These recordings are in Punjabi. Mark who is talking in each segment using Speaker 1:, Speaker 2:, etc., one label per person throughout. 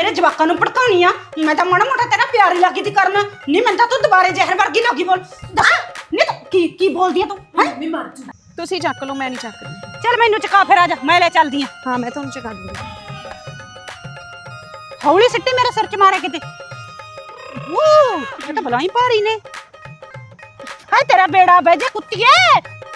Speaker 1: ਮੇਰੇ ਜਵਾਕਾਂ ਨੂੰ ਭੜਕਾਉਣੀ ਆ। ਮੈਂ ਤਾਂ ਮਾੜਾ ਮੋਟਾ ਤੇਰਾ ਪਿਆਰ ਹੀ ਲੱਗੀ ਤੀ ਕਰਨ। ਨਹੀਂ ਮੈਂ ਤਾਂ ਤੂੰ ਦੁਬਾਰੇ ਜ਼ਹਿਰ ਵਰਗੀ ਲੱਗੀ ਬੋਲ। ਦੱਸ ਨਹੀਂ ਤੂੰ ਕੀ ਬੋਲਦੀ ਆ ਤੂੰ?
Speaker 2: ਮੈਂ ਮਰ ਜੂ। ਤੁਸੀਂ ਚੱਕ ਲਓ, ਮੈਂ ਨਹੀਂ ਚੱਕਦੀ।
Speaker 1: ਚੱਲ ਮੈਨੂੰ ਚਕਾ ਫਿਰ ਆ ਜਾ, ਮੈਂ ਲੈ ਚੱਲਦੀ ਆ।
Speaker 2: ਹਾਂ ਮੈਂ ਤੁਹਾਨੂੰ ਚਕਾ ਦੂੰਗੀ।
Speaker 1: ਹੌਲੀ ਸਿੱਟੀ ਮੇਰੇ ਸਿਰ 'ਚ ਮਾਰੇ ਕਿਤੇ। ਇਹ ਤਾਂ ਬਲਾਈ ਭਾਰੀ ਨੇ। ਹਾਏ ਤੇਰਾ ਬੇੜਾ ਬਹਿ ਜਾ ਕੁੱਤੀਏ।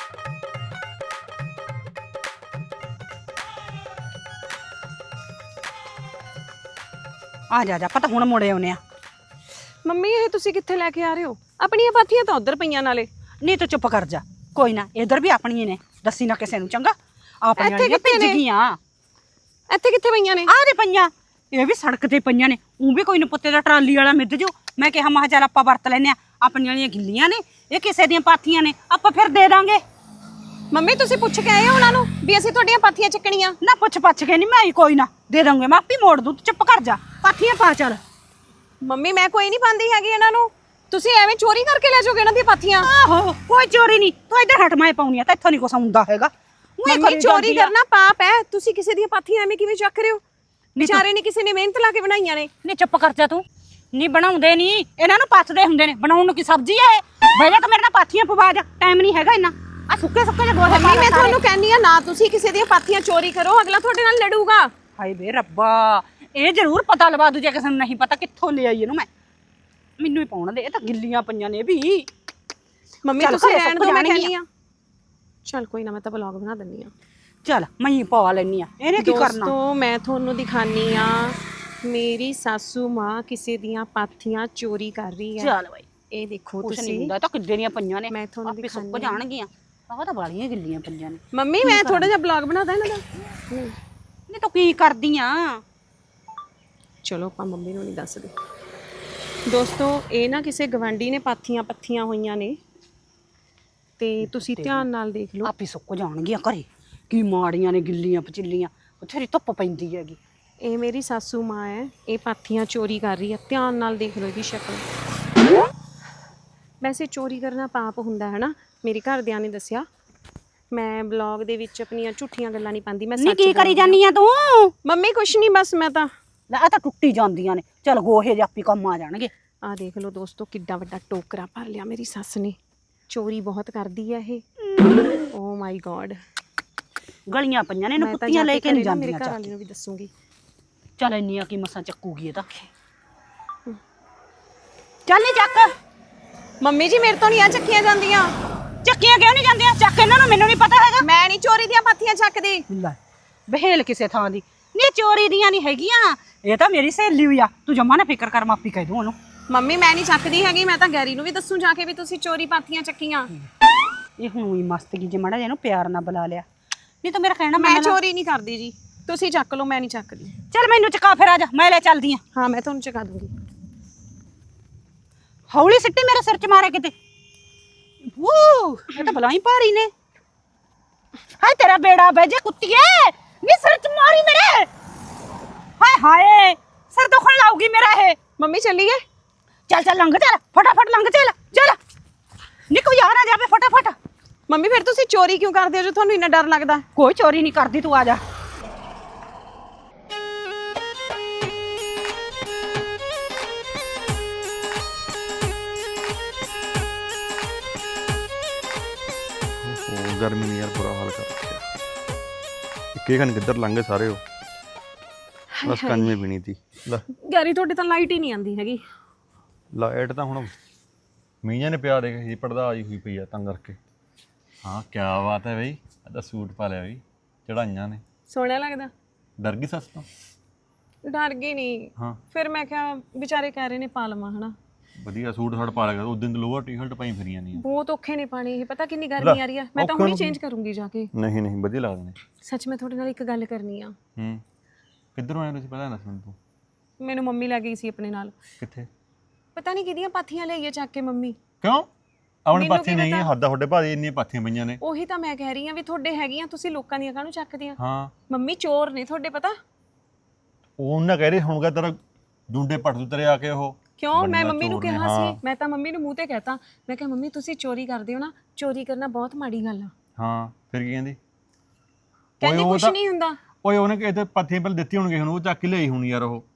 Speaker 1: ਆ ਜਾ ਜਾ ਪਤਾ ਹੁਣ ਮੁੜੇ ਆਉਨੇ ਆ।
Speaker 2: ਮੰਮੀ ਇਹ ਤੁਸੀਂ ਕਿੱਥੇ ਲੈ ਕੇ ਆ ਰਹੇ ਹੋ? ਆਪਣੀਆਂ ਪਾਥੀਆਂ ਤਾਂ ਉਧਰ ਪਈਆਂ ਨਾਲੇ।
Speaker 1: ਨਹੀਂ ਤੂੰ ਚੁੱਪ ਕਰ ਜਾ, ਕੋਈ ਨਾ ਇਧਰ ਵੀ ਆਪਣੀਆਂ ਨੇ, ਦੱਸੀ ਨਾ ਕਿਸੇ ਨੂੰ ਚੰਗਾ। ਆਪਣੀਆਂ
Speaker 2: ਇੱਥੇ ਕਿੱਥੇ ਨੇ?
Speaker 1: ਗਈਆਂ
Speaker 2: ਇੱਥੇ ਕਿੱਥੇ ਪਈਆਂ ਨੇ?
Speaker 1: ਆਹ ਦੇ ਪਈਆਂ, ਇਹ ਵੀ ਸੜਕ ਤੇ ਪਈਆਂ ਨੇ। ਉਹ ਵੀ ਕੋਈ ਨਾ ਪੁੱਤੇ ਦਾ ਟਰਾਲੀ ਵਾਲਾ ਮਿੱਧ ਜੋ। ਮੈਂ ਕਿਹਾ ਮਾ ਚੱਲ ਆਪਾਂ ਵਰਤ ਲੈਨੇ ਆ, ਆਪਣੀਆਂ ਵਾਲੀਆਂ ਗਿੱਲੀਆਂ ਨੇ, ਇਹ ਕਿਸੇ ਦੀਆਂ ਪਾਥੀਆਂ ਨੇ, ਆਪਾਂ ਫਿਰ ਦੇ ਦਾਂਗੇ।
Speaker 2: ਮੰਮੀ ਤੁਸੀਂ ਪੁੱਛ ਕੇ ਆਏ ਹੋ ਉਹਨਾਂ ਨੂੰ ਵੀ ਅਸੀਂ ਤੁਹਾਡੀਆਂ ਪਾਥੀਆਂ ਚੱਕਣੀਆਂ?
Speaker 1: ਨਾ ਪੁੱਛ ਪੱਛ ਕੇ ਨਹੀਂ, ਮੈਂ ਕੋਈ ਨਾ ਦੇ ਦਾਂਗੇ, ਮੈਂ ਆਪੀ ਮੋੜ ਦੂੰ, ਤੂੰ ਚੁੱਪ ਕਰ ਜਾ। ਪਾਥੀਆਂ ਪਾ ਚੱਲ।
Speaker 2: ਮੰਮੀ ਮੈਂ ਕੋਈ ਨਹੀਂ ਪਾਉਂਦੀ ਹੈਗੀ ਇਹਨਾਂ ਨੂੰ, ਤੁਸੀਂ ਐਵੇਂ ਚੋਰੀ ਕਰਕੇ ਲੈ ਜਾਓਗੇ ਇਹਨਾਂ ਦੀਆਂ ਪਾਥੀਆਂ।
Speaker 1: ਆਹੋ ਕੋਈ ਚੋਰੀ ਨਹੀਂ, ਤੂੰ ਇੱਧਰ ਹਟ, ਮੈਂ ਪਾਉਣੀ ਆ ਤਾਂ ਇੱਥੋਂ ਨਹੀਂ ਕੁਛ ਆਉਂਦਾ ਹੈਗਾ।
Speaker 2: ਮੰਮੀ ਚੋਰੀ ਕਰਨਾ ਪਾਪ ਹੈ, ਤੁਸੀਂ ਕਿਸੇ ਦੀਆਂ ਪਾਥੀਆਂ ਐਵੇਂ ਕਿਵੇਂ ਚੱਕ ਰਹੇ ਹੋ? ਵਿਚਾਰੇ ਨੇ ਕਿਸੇ ਨੇ ਮਿਹਨਤ ਲਾ ਕੇ ਬਣਾਈਆਂ ਨੇ।
Speaker 1: ਨਹੀਂ ਚੁੱਪ ਕਰ ਜਾ ਤੂੰ। ਨਹੀਂ ਬਣਾਉਂਦੇ ਨਹੀਂ, ਇਹਨਾਂ ਨੂੰ ਪੱਥਦੇ ਹੁੰਦੇ ਨੇ, ਬਣਾਉਣ ਨੂੰ ਕੀ ਸਬਜ਼ੀ ਹੈ? ਬਹਿ ਜਾ, ਤਾਂ ਮੇਰੇ ਨਾਲ ਪਾਥੀਆਂ ਪਵਾ ਜਾ, ਟਾਈਮ ਨਹੀਂ ਹੈਗਾ ਇੰਨਾ। ਆ ਸੁੱਕੇ ਜਿਹੇ ਗੋਹੇ
Speaker 2: ਮੰਮੀ ਮੈਂ ਤੁਹਾਨੂੰ ਕਹਿੰਦੀ ਆ ਨਾ ਤੁਸੀਂ ਕਿਸੇ ਦੀਆਂ ਪਾਥੀਆਂ ਚੋਰੀ ਕਰੋ, ਅਗਲਾ ਤੁਹਾਡੇ ਨਾਲ ਲੜੂਗਾ।
Speaker 1: ਹਾਏ ਬੇ ਰੱਬਾ, ਇਹ ਜ਼ਰੂਰ ਪਤਾ ਲਵਾ ਦੂ ਜੇ ਕਿਸੇ ਨੂੰ ਨਹੀਂ ਪਤਾ ਕਿੱਥੋਂ ਲੈ ਆਈ ਇਹਨੂੰ। ਮੈਨੂੰ ਹੀ ਪਾਉਣ ਦੇ, ਇਹ ਤਾਂ ਗਿੱਲੀਆਂ ਪਈਆਂ ਨੇ ਵੀ।
Speaker 2: ਮੰਮੀ ਤੁਸੀਂ ਰਹਿਣ ਦਿਓ, ਮੈਂ ਕਹਿੰਦੀ ਆ। ਚੱਲ ਕੋਈ ਨਾ, ਮੈਂ ਤਾਂ ਵਲੌਗ ਬਣਾ ਦਿੰਨੀ ਆ।
Speaker 1: ਚੱਲ ਮੈਂ ਹੀ ਪਵਾ ਲੈਣੀ ਆ, ਇਹਨੇ ਕੀ ਕਰਨਾ।
Speaker 2: ਦੋਸਤੋ ਮੈਂ ਤੁਹਾਨੂੰ ਦਿਖਾਨੀ ਆ, ਮੇਰੀ ਸਾਸੂ ਮਾਂ ਕਿਸੇ ਦੀਆਂ ਪਾਥੀਆਂ ਚੋਰੀ ਕਰ ਰਹੀ ਹੈ।
Speaker 1: ਚੱਲ ਬਾਈ,
Speaker 2: ਇਹ ਦੇਖੋ
Speaker 1: ਕੁਛ ਨਹੀਂ
Speaker 2: ਤੁਸੀਂ।
Speaker 1: ਹੁੰਦਾ, ਤਾਂ ਕਿੱਡੇ ਦੀਆਂ ਪਈਆਂ ਨੇ,
Speaker 2: ਮੈਂ ਤੁਹਾਨੂੰ
Speaker 1: ਆਪੇ ਸੁੱਕ ਜਾਣਗੀਆਂ। ਆਹ ਤਾਂ ਵਾਲੀਆਂ ਗਿੱਲੀਆਂ ਪਈਆਂ ਨੇ।
Speaker 2: ਮੰਮੀ ਮੈਂ ਥੋੜਾ ਜਿਹਾ ਵਲੌਗ ਬਣਾਦਾ ਇਹਨਾਂ ਦਾ।
Speaker 1: ਨਹੀਂ ਤੂੰ ਕੀ ਕਰਦੀ ਆ?
Speaker 2: ਚਲੋ ਆਪਾਂ ਮੰਮੀ ਨੂੰ ਨਹੀਂ ਦੱਸਦੇ। ਦੋਸਤੋ ਇਹ ਨਾ ਕਿਸੇ ਗਵਾਂਢੀ ਨੇ ਪਾਥੀਆਂ ਪੱਥੀਆਂ ਹੋਈਆਂ ਨੇ, ਤੇ ਤੁਸੀਂ ਧਿਆਨ ਨਾਲ ਦੇਖ ਲਓ।
Speaker 1: ਆਪੇ ਸੁੱਕ ਜਾਣਗੀਆਂ ਘਰੇ। ਕੀ ਮਾੜੀਆਂ ਨੇ, ਗਿੱਲੀਆਂ ਪਚਿੱਲੀਆਂ, ਬਥੇਰੀ ਧੁੱਪ ਪੈਂਦੀ ਹੈਗੀ।
Speaker 2: ਇਹ ਮੇਰੀ ਸਾਸੂ ਮਾਂ ਹੈ, ਇਹ ਪਾਥੀਆਂ ਚੋਰੀ ਕਰ ਰਹੀ ਹੈ। ਧਿਆਨ ਨਾਲ ਦੇਖ ਲਓ ਇਹਦੀ ਸ਼ਕਲ। ਵੈਸੇ ਚੋਰੀ ਕਰਨਾ ਪਾਪ ਹੁੰਦਾ ਹੈ ਨਾ, ਮੇਰੇ ਘਰਦਿਆਂ ਨੇ ਦੱਸਿਆ। ਮੈਂ ਬਲੌਗ ਦੇ ਵਿੱਚ ਆਪਣੀਆਂ ਝੂਠੀਆਂ ਗੱਲਾਂ ਨਹੀਂ ਪਾਉਂਦੀ, ਮੈਂ ਸੱਚ
Speaker 1: ਕੀ ਕਰੀ ਜਾਨੀ ਆ ਤੂੰ?
Speaker 2: ਮੰਮੀ ਕੁਛ ਨਹੀਂ, ਬਸ ਮੈਂ ਤਾਂ
Speaker 1: ਲੈ ਆ ਤਾਂ ਟੁੱਟੀ ਜਾਂਦੀਆਂ ਨੇ। ਚੱਲ ਗੋਹੇ ਜਿਹੇ ਆਪੀ ਕੰਮ ਆ ਜਾਣਗੇ।
Speaker 2: ਆ ਦੇਖ ਲਓ ਦੋਸਤੋ, ਕਿੱਡਾ ਵੱਡਾ ਟੋਕਰਾ ਭਰ ਲਿਆ ਮੇਰੀ ਸੱਸ ਨੇ। ਚੋਰੀ ਬਹੁਤ ਕਰਦੀ ਹੈ ਇਹ। ਓ ਮਾਈ ਗॉड,
Speaker 1: ਗਲੀਆਂ ਪਈਆਂ ਨੇ, ਇਹਨੂੰ ਕੁੱਤੀਆਂ ਲੈ ਕੇ ਨਹੀਂ ਜਾਂਦੀਆਂ।
Speaker 2: ਮੇਰੇ ਘਰ ਵਾਲੀ ਨੂੰ ਵੀ ਦੱਸੂਗੀ।
Speaker 1: ਚੱਲ ਇੰਨੀਆਂ ਕੀ ਮਸਾਂ ਚੱਕੂਗੀ ਇਹ ਤਾਂ। ਚੱਲ ਨਹੀਂ ਚੱਕ।
Speaker 2: ਮੰਮੀ ਜੀ ਮੇਰੇ ਤੋਂ ਨਹੀਂ ਆ ਚੱਕੀਆਂ ਜਾਂਦੀਆਂ।
Speaker 1: ਚੱਕੀਆਂ ਕਿਉਂ ਨਹੀਂ ਜਾਂਦੀਆਂ? ਚੱਕ ਇਹਨਾਂ ਨੂੰ, ਮੈਨੂੰ ਨਹੀਂ ਪਤਾ ਹੈਗਾ।
Speaker 2: ਮੈਂ ਨਹੀਂ ਚੋਰੀ ਦੀਆਂ ਪਾਥੀਆਂ ਚੱਕਦੀ।
Speaker 1: ਲੈ ਬਹਿਲ ਕਿਸੇ ਥਾਂ ਦੀ। ਨਹੀਂ ਚੋਰੀ ਦੀਆਂ ਨਹੀਂ ਹੈਗੀਆਂ, ਇਹ ਤਾਂ ਮੇਰੀ ਸਹੇਲੀ ਹੋਈ ਆ। ਤੂੰ ਜਮਾ ਨਾ ਫਿਕਰ ਕਰ, ਮਾਪੀ ਕਹਿ ਦੂੰ ਉਹਨੂੰ।
Speaker 2: ਮੰਮੀ ਮੈਂ ਨਹੀਂ ਚੱਕਦੀ ਹੈਗੀ, ਮੈਂ ਤਾਂ ਗੈਰੀ ਨੂੰ ਵੀ ਦੱਸੂ ਜਾ ਕੇ ਵੀ ਤੁਸੀਂ ਚੋਰੀ ਪਾਥੀਆਂ ਚੱਕੀਆਂ।
Speaker 1: ਇਹ ਹੁਣ ਹੀ ਮਸਤਗੀ ਜੇ ਮਾੜਾ ਜਿਹਾ ਇਹਨੂੰ ਪਿਆਰ ਨਾਲ ਬੁਲਾ ਲਿਆ। ਨਹੀਂ ਤਾਂ ਮੇਰਾ ਕਹਿਣਾ
Speaker 2: ਮੈਂ ਚੋਰੀ ਨਹੀਂ ਕਰਦੀ ਜੀ, ਤੁਸੀਂ ਚੱਕ ਲਓ, ਮੈਂ ਨਹੀਂ ਚੱਕਦੀ।
Speaker 1: ਚੱਲ ਮੈਨੂੰ ਚਕਾ ਫਿਰ ਆ ਜਾ, ਮੈਂ ਲੈ ਚੱਲਦੀ ਆ।
Speaker 2: ਹਾਂ ਮੈਂ ਤੁਹਾਨੂੰ ਚਕਾ ਦੂੰਗੀ।
Speaker 1: ਹੌਲੀ ਸਿੱਟੀ ਮੇਰੇ ਸਿਰ 'ਚ ਮਾਰੇ ਕਿਤੇ। ਇਹ ਤਾਂ ਬਲਾਈ ਭਾਰੀ ਨੇ। ਹਾਏ ਤੇਰਾ ਬੇੜਾ ਬਹਿ ਜਾ ਕੁੱਤੀਏ। ਨੀ ਸਿਰ 'ਚ ਮਾਰੀ ਮੇਰੇ। ਹਾਏ ਹਾਏ ਸਿਰ ਦੁਖਣ ਲਾਉਗੀ ਮੇਰਾ ਇਹ।
Speaker 2: ਮੰਮੀ ਚੱਲੀਏ?
Speaker 1: ਚੱਲ ਚੱਲ ਲੰਘ ਚੱਲ, ਫਟਾਫਟ ਲੰਘ ਚੱਲ। ਚੱਲ ਨੀ ਕੋਈ ਆ ਨਾ ਜਾਵੇ, ਫਟਾਫਟ।
Speaker 2: ਮੰਮੀ ਫਿਰ ਤੁਸੀਂ ਚੋਰੀ ਕਿਉਂ ਕਰਦੇ ਹੋ ਜੋ ਤੁਹਾਨੂੰ ਇੰਨਾ ਡਰ ਲੱਗਦਾ?
Speaker 1: ਕੋਈ ਚੋਰੀ ਨਹੀਂ ਕਰਦੀ, ਤੂੰ ਆ ਜਾ।
Speaker 3: गर्मी ने यार बुरा हाल कर रखा। इक्के घंटे किधर लंघे सारे हो, बस कंज में भी नहीं थी।
Speaker 2: ਗੈਰੀ ਤੁਹਾਡੇ ਤਾਂ ਲਾਈਟ ਹੀ ਨਹੀਂ ਆਉਂਦੀ ਹੈਗੀ।
Speaker 3: ਲਾਈਟ ਤਾਂ ਹੁਣ ਮੀਂਹਾਂ ਨੇ ਪਿਆ ਦੇ ਪੜਦਾ ਆਈ ਹੋਈ ਪਈ ਆ ਤਾਂ ਕਰਕੇ। ਹਾਂ ਕੀ ਬਾਤ ਹੈ ਬਈ, ਇਹ ਤਾਂ ਸੂਟ ਪਾ ਲਿਆ ਬਈ, ਚੜਾਈਆਂ ਨੇ।
Speaker 2: ਸੋਹਣਾ ਲੱਗਦਾ।
Speaker 3: ਡਰ ਗਈ ਸੱਸ ਤੋਂ?
Speaker 2: ਡਰ ਗਈ ਨਹੀਂ।
Speaker 3: ਹਾਂ
Speaker 2: ਫਿਰ ਮੈਂ ਕਿਹਾ ਵਿਚਾਰੇ ਕਹਿ ਰਹੇ ਨੇ ਪਾ ਲਵਾਂ ਹਨਾ।
Speaker 3: ਵਧੀਆ ਸੂਟ ਸਾੜ ਪਾ ਲਿਆ। ਉਸ ਦਿਨ ਤਾਂ ਲੋਅਰ ਟੀ-ਸ਼ਰਟ ਪਾਈ ਫਿਰੀਆਂ ਨਹੀਂ।
Speaker 2: ਬਹੁਤ ਔਖੇ ਨੇ ਪਾਣੀ ਇਹ, ਪਤਾ ਕਿੰਨੀ ਗਰਮੀ ਆ ਰਹੀ ਆ। ਮੈਂ ਤਾਂ ਹੁਣੀ ਚੇਂਜ ਕਰੂੰਗੀ ਜਾ ਕੇ।
Speaker 3: ਨਹੀਂ ਨਹੀਂ ਵਧੀਆ ਲੱਗਦੇ ਨੇ।
Speaker 2: ਸੱਚ ਮੈਂ ਤੁਹਾਡੇ ਨਾਲ ਇੱਕ ਗੱਲ ਕਰਨੀ ਆ।
Speaker 3: ਕਿੱਧਰੋਂ ਆਏ ਤੁਸੀਂ ਪਤਾ ਨਾ ਸੁਣ ਤੂੰ?
Speaker 2: ਮੈਨੂੰ ਮੰਮੀ ਲੈ ਗਈ ਸੀ ਆਪਣੇ ਨਾਲ।
Speaker 3: ਕਿੱਥੇ?
Speaker 2: ਪਤਾ ਨਹੀਂ ਕਿਹਦੀਆਂ ਪਾਥੀਆਂ ਲਈਏ ਚੱਕ ਕੇ ਮੰਮੀ।
Speaker 3: ਕਿਉਂ? ਆਪਣੇ ਪਾਥੀ ਨਹੀਂ ਹੈ, ਹੱਦਾਂ ਤੁਹਾਡੇ ਭਾਜੀ ਇੰਨੀਆਂ ਪਾਥੀਆਂ ਪਈਆਂ ਨੇ।
Speaker 2: ਉਹੀ ਤਾਂ ਮੈਂ ਕਹਿ ਰਹੀ ਆ ਵੀ ਤੁਹਾਡੇ ਹੈਗੀਆਂ, ਤੁਸੀਂ ਲੋਕਾਂ ਦੀਆਂ ਕਾਹਨੂੰ ਚੱਕਦੇ ਆ?
Speaker 3: ਹਾਂ
Speaker 2: ਮੰਮੀ ਚੋਰ ਨੇ ਤੁਹਾਡੇ, ਪਤਾ।
Speaker 3: ਉਹਨਾਂ ਕਹਿ ਰਹੇ ਹੋਣਗਾ ਤੇਰਾ ਜੁੰਡੇ ਪੱਟ ਦੂ ਤੇਰੇ ਆ ਕੇ। ਉਹ
Speaker 2: ਕਿਉਂ? ਮੈਂ ਮੰਮੀ ਨੂੰ ਕਿਹਾ ਸੀ, ਮੈਂ ਤਾਂ ਮੰਮੀ ਨੂੰ ਮੂੰਹ ਤੇ ਕਹਿਤਾ, ਮੈਂ ਕਿਹਾ ਮੰਮੀ ਤੁਸੀਂ ਚੋਰੀ ਕਰਦੇ ਹੋ ਨਾ, ਚੋਰੀ ਕਰਨਾ ਬਹੁਤ ਮਾੜੀ ਗੱਲ ਆ।
Speaker 3: ਹਾਂ ਫਿਰ ਕੀ ਕਹਿੰਦੀ?
Speaker 2: ਕਹਿੰਦੀ ਕੁਛ ਨਹੀਂ ਹੁੰਦਾ।
Speaker 3: ਓਏ ਉਹਨੇ ਕਿਤੇ ਪਾਥੀਆਂ ਪਹਿਲਾਂ ਦਿੱਤੀ ਹੋਣਗੇ, ਹੁਣ ਉਹ ਚੱਕ ਕੇ ਲਈ ਹੋਣੀ ਯਾਰ। ਉਹ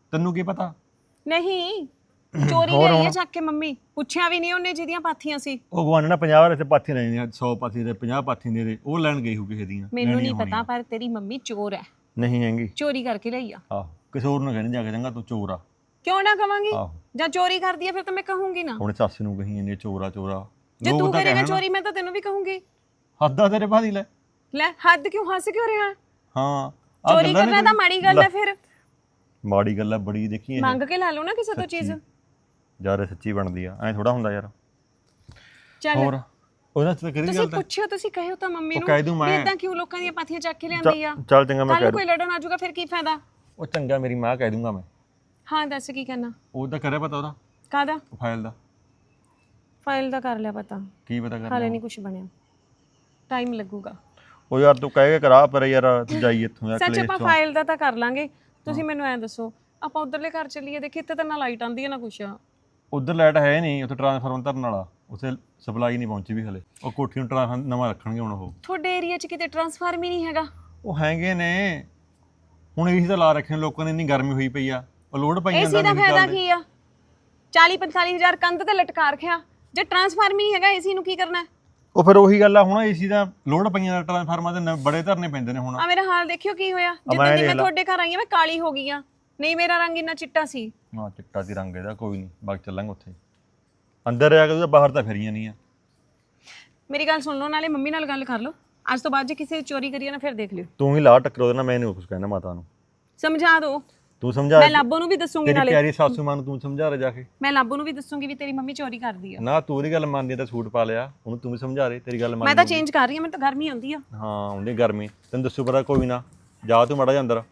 Speaker 3: ਤੈਨੂੰ ਕੀ ਪਤਾ?
Speaker 2: ਨਹੀਂ ਚੋਰੀ ਲਈ ਹੈ ਚੱਕ ਕੇ ਮੰਮੀ, ਪੁੱਛਿਆ ਵੀ ਨਹੀਂ ਉਹਨੇ ਜਿਹਦੀਆਂ ਪਾਥੀਆਂ ਸੀ।
Speaker 3: ਉਹ ਗਵਾਨ ਨਾ 50 ਵਾਰ ਇੱਥੇ ਪਾਥੀ ਲੈਣੀ 100 ਪਾਥੀ ਦੇ 50 ਪਾਥੀ ਦੇ ਉਹ ਲੈਣ ਗਈ ਹੋ ਕਿਸੇ ਦੀਆਂ।
Speaker 2: ਮੈਨੂੰ ਨਹੀਂ ਪਤਾ ਪਰ ਤੇਰੀ ਮੰਮੀ ਚੋਰ ਹੈ।
Speaker 3: ਨਹੀਂ ਹੈਗੀ,
Speaker 2: ਚੋਰੀ ਕਰਕੇ ਲਈ ਆ।
Speaker 3: ਆਹੋ ਕਿਸੇ ਹੋਰ ਨੂੰ ਕਹਿੰਦੇ ਜਾ ਕੇ ਚੰਗਾ ਤੂੰ ਚੋਰ ਆ।
Speaker 2: ਕਿਉਂ ਨਾ ਕਵਾਂਗੀ,
Speaker 3: ਆਹੋ
Speaker 2: ਜਾਂ ਚੋਰੀ ਕਰਦੀ ਹੈ ਫਿਰ ਤਾਂ ਮੈਂ ਕਹੂੰਗੀ ਨਾ।
Speaker 3: ਹੁਣ ਸੱਸ ਨੂੰ ਕਹੀ ਇਹਨੇ ਚੋਰਾ ਚੋਰਾ,
Speaker 2: ਜੇ ਤੂੰ ਕਰੇਗਾ ਚੋਰੀ ਮੈਂ ਤਾਂ ਤੈਨੂੰ ਵੀ ਕਹੂੰਗੀ।
Speaker 3: ਹੱਦਾਂ ਤੇਰੇ ਬਾਦੀ ਲੈ
Speaker 2: ਹੱਦ ਕਿਉਂ, ਹੱਸ ਕਿਉਂ ਰਿਹਾ?
Speaker 3: ਹਾਂ
Speaker 2: ਚੋਰੀ ਕਰਨਾ ਤਾਂ ਮਾੜੀ ਗੱਲ ਹੈ। ਫਿਰ
Speaker 3: ਮਾੜੀ ਗੱਲ ਹੈ ਬੜੀ, ਦੇਖੀ
Speaker 2: ਮੰਗ ਕੇ ਲੈ ਲਓ ਨਾ ਕਿਸੇ ਤੋਂ ਚੀਜ਼।
Speaker 3: ਯਾਰ ਸੱਚੀ ਬਣਦੀ ਆ, ਐ ਥੋੜਾ ਹੁੰਦਾ ਯਾਰ।
Speaker 2: ਚੱਲ
Speaker 3: ਹੋਰ ਉਹਨਾਂ ਚ ਤਾਂ ਕਰੀ
Speaker 2: ਤੁਸੀਂ
Speaker 3: ਗੱਲ ਤਾਂ
Speaker 2: ਪੁੱਛਿਓ, ਤੁਸੀਂ ਕਹਿਓ ਤਾਂ ਮੰਮੀ ਨੂੰ
Speaker 3: ਕਹਿ ਦੂੰ ਮੈਂ।
Speaker 2: ਇਦਾਂ ਕਿਉਂ ਲੋਕਾਂ ਦੀਆਂ ਪਾਥੀਆਂ ਚੱਕ ਕੇ ਲਿਆਂਦੀ ਆ।
Speaker 3: ਚੱਲ ਚੰਗਾ ਮੈਂ
Speaker 2: ਕੱਲ ਕੋਈ ਲੜਨ ਆ ਜਾਊਗਾ ਫਿਰ ਕੀ ਫਾਇਦਾ।
Speaker 3: ਉਹ ਚੰਗਾ ਮੇਰੀ ਮਾਂ ਕਹਿ ਦੂੰਗਾ ਮੈਂ।
Speaker 2: ਹਾਂ ਦੱਸ ਕੀ ਕਹਿਣਾ।
Speaker 3: ਉਹਦਾ ਕਰਿਆ ਪਤਾ ਉਹਦਾ
Speaker 2: ਕਾਹਦਾ?
Speaker 3: ਫਾਈਲ ਦਾ।
Speaker 2: ਫਾਈਲ ਦਾ ਕਰ ਲਿਆ ਪਤਾ,
Speaker 3: ਕੀ ਪਤਾ ਕਰਨਾ?
Speaker 2: ਹਾਲੇ ਨਹੀਂ ਕੁਝ ਬਣਿਆ, ਟਾਈਮ ਲੱਗੂਗਾ।
Speaker 3: ਉਹ ਯਾਰ ਤੂੰ ਕਹਿ ਕੇ ਕਰਾ ਪਰ ਯਾਰ ਤੂੰ ਜਾਈ ਇੱਥੋਂ ਯਾਰ
Speaker 2: ਸੱਚ
Speaker 3: ਕਲੇਸ਼
Speaker 2: ਆਪਾਂ
Speaker 3: ਚੋਂ।
Speaker 2: ਫਾਈਲ ਦਾ ਤਾਂ ਕਰ ਲਾਂਗੇ। ਤੁਸੀਂ ਮੈਨੂੰ ਐਂ ਦੱਸੋ ਆਪਾਂ ਉਧਰਲੇ ਘਰ ਚੱਲੀਏ, ਦੇਖੀ ਇੱਥੇ ਤਾਂ ਨਾ ਲਾਈਟ ਆਉਂਦੀ ਹੈ ਨਾ ਕੁਛ।
Speaker 3: ਉਧਰ ਲਾਈਟ ਹੈ ਨਹੀਂ, ਉੱਥੇ ਟਰਾਂਸਫਾਰਮਰ ਧਰਨ ਵਾਲਾ, ਉੱਥੇ ਸਪਲਾਈ ਨਹੀਂ ਪਹੁੰਚੀ ਵੀ ਹਲੇ। ਉਹ ਕੋਠੀ ਨੂੰ ਟਰਾਂਸਫਾਰਮਰ ਨਵਾਂ ਰੱਖਣਗੇ ਹੁਣ ਉਹ।
Speaker 2: ਤੁਹਾਡੇ ਏਰੀਆ 'ਚ ਕਿਤੇ ਟਰਾਂਸਫਾਰਮ ਹੀ ਨਹੀਂ ਹੈਗਾ?
Speaker 3: ਉਹ ਹੈਗੇ ਨੇ, ਹੁਣ ਏਸੀ ਤਾਂ ਲਾ ਰੱਖੇ ਨੇ ਲੋਕਾਂ ਨੇ, ਇੰਨੀ ਗਰਮੀ ਹੋਈ ਪਈ ਆ, ਉਹ ਲੋਡ ਪਈਆਂ
Speaker 2: ਏਸੀ ਦਾ ਫਾਇਦਾ ਕੀ ਆ? 40-45 ਹਜ਼ਾਰ ਕੰਧ ਤੇ ਲਟਕਾ ਰੱਖਿਆ, ਜੇ ਟਰਾਂਸਫਾਰਮ ਹੀ ਨਹੀਂ ਹੈਗਾ ਏਸੀ ਨੂੰ ਕੀ ਕਰਨਾ?
Speaker 3: ਉਹ ਫਿਰ ਉਹੀ ਗੱਲ ਆ, ਹੁਣ ਏਸੀ ਦਾ ਲੋਡ ਪਈਆਂ ਦਾ ਟਰਾਂਸਫਾਰਮਰ ਦੇ ਬੜੇ ਧਰਨੇ ਪੈਂਦੇ ਨੇ ਹੁਣ।
Speaker 2: ਆ ਮੇਰਾ ਹਾਲ ਦੇਖਿਓ ਕੀ ਹੋਇਆ, ਜਿੱਦਾਂ ਦੀ ਮੈਂ ਤੁਹਾਡੇ ਘਰ ਆਈ ਆ ਮੈਂ ਕਾਲੀ ਹੋ ਗਈ ਆ। ਨਹੀਂ ਮੇਰਾ ਰੰਗ ਇੰਨਾ ਚਿੱਟਾ ਸੀ।
Speaker 3: ਹਾਂ ਚਿੱਟਾ ਸੀ ਰੰਗ ਇਹਦਾ, ਕੋਈ ਨਹੀਂ ਬਾਗ ਚੱਲਾਂਗੇ ਉੱਥੇ। ਅੰਦਰ ਆ ਕੇ ਬਾਹਰ ਤਾਂ ਫਿਰੀਆਂ ਨਹੀਂ ਆ।
Speaker 2: ਮੇਰੀ ਗੱਲ ਸੁਣ ਲਓ, ਨਾਲੇ ਮੰਮੀ ਨਾਲ ਗੱਲ ਕਰ ਲਓ। ਅੱਜ ਤੋਂ ਬਾਅਦ ਜੇ ਕਿਸੇ ਚੋਰੀ ਕਰੀਏ ਨਾ ਫਿਰ ਦੇਖ ਲਿਓ।
Speaker 3: ਤੂੰ ਹੀ ਲਾ ਟੱਕਰ ਉਹਦੇ ਨਾਲ, ਮੈਂ ਨਹੀਂ ਕੁਝ ਕਹਿਣਾ ਮਾਤਾ ਨੂੰ।
Speaker 2: ਸਮਝਾ ਦਿਓ,
Speaker 3: ਤੂੰ ਸਮਝਾ।
Speaker 2: ਮੈਂ ਲਾਬੋ ਨੂੰ ਵੀ ਦੱਸੂਗੀ।
Speaker 3: ਤੇਰੀ
Speaker 2: ਨਾਲੇ
Speaker 3: ਪਿਆਰੀ ਸਾਸੂ ਮਾਂ ਨੂੰ ਤੂੰ ਸਮਝਾ ਰਿਹਾ ਜਾ ਕੇ।
Speaker 2: ਮੈਂ ਲਾਬੋ ਨੂੰ ਵੀ ਦੱਸੂਗੀ ਵੀ ਤੇਰੀ ਮੰਮੀ ਚੋਰੀ ਕਰਦੀ ਆ।
Speaker 3: ਨਾ ਤੂੰ ਉਹਦੀ ਗੱਲ ਮੰਨਦੀ ਤਾਂ ਸੂਟ ਪਾ ਲਿਆ, ਉਹਨੂੰ ਤੂੰ ਵੀ ਸਮਝਾ ਰਹੀ, ਤੇਰੀ ਗੱਲ ਮੰਨ।
Speaker 2: ਮੈਂ ਤਾਂ ਚੇਂਜ ਕਰ ਰਹੀ ਹਾਂ, ਮੈਨੂੰ ਤਾਂ ਗਰਮੀ ਆਉਂਦੀ ਆ।
Speaker 3: ਹਾਂ ਉਹਦੀ ਗਰਮੀ ਤੈਨੂੰ ਦੱਸੂ ਪਤਾ, ਕੋਈ ਨਾ ਜਾ ਤੂੰ ਮਾੜਾ ਜਿਹਾ ਅੰਦਰ।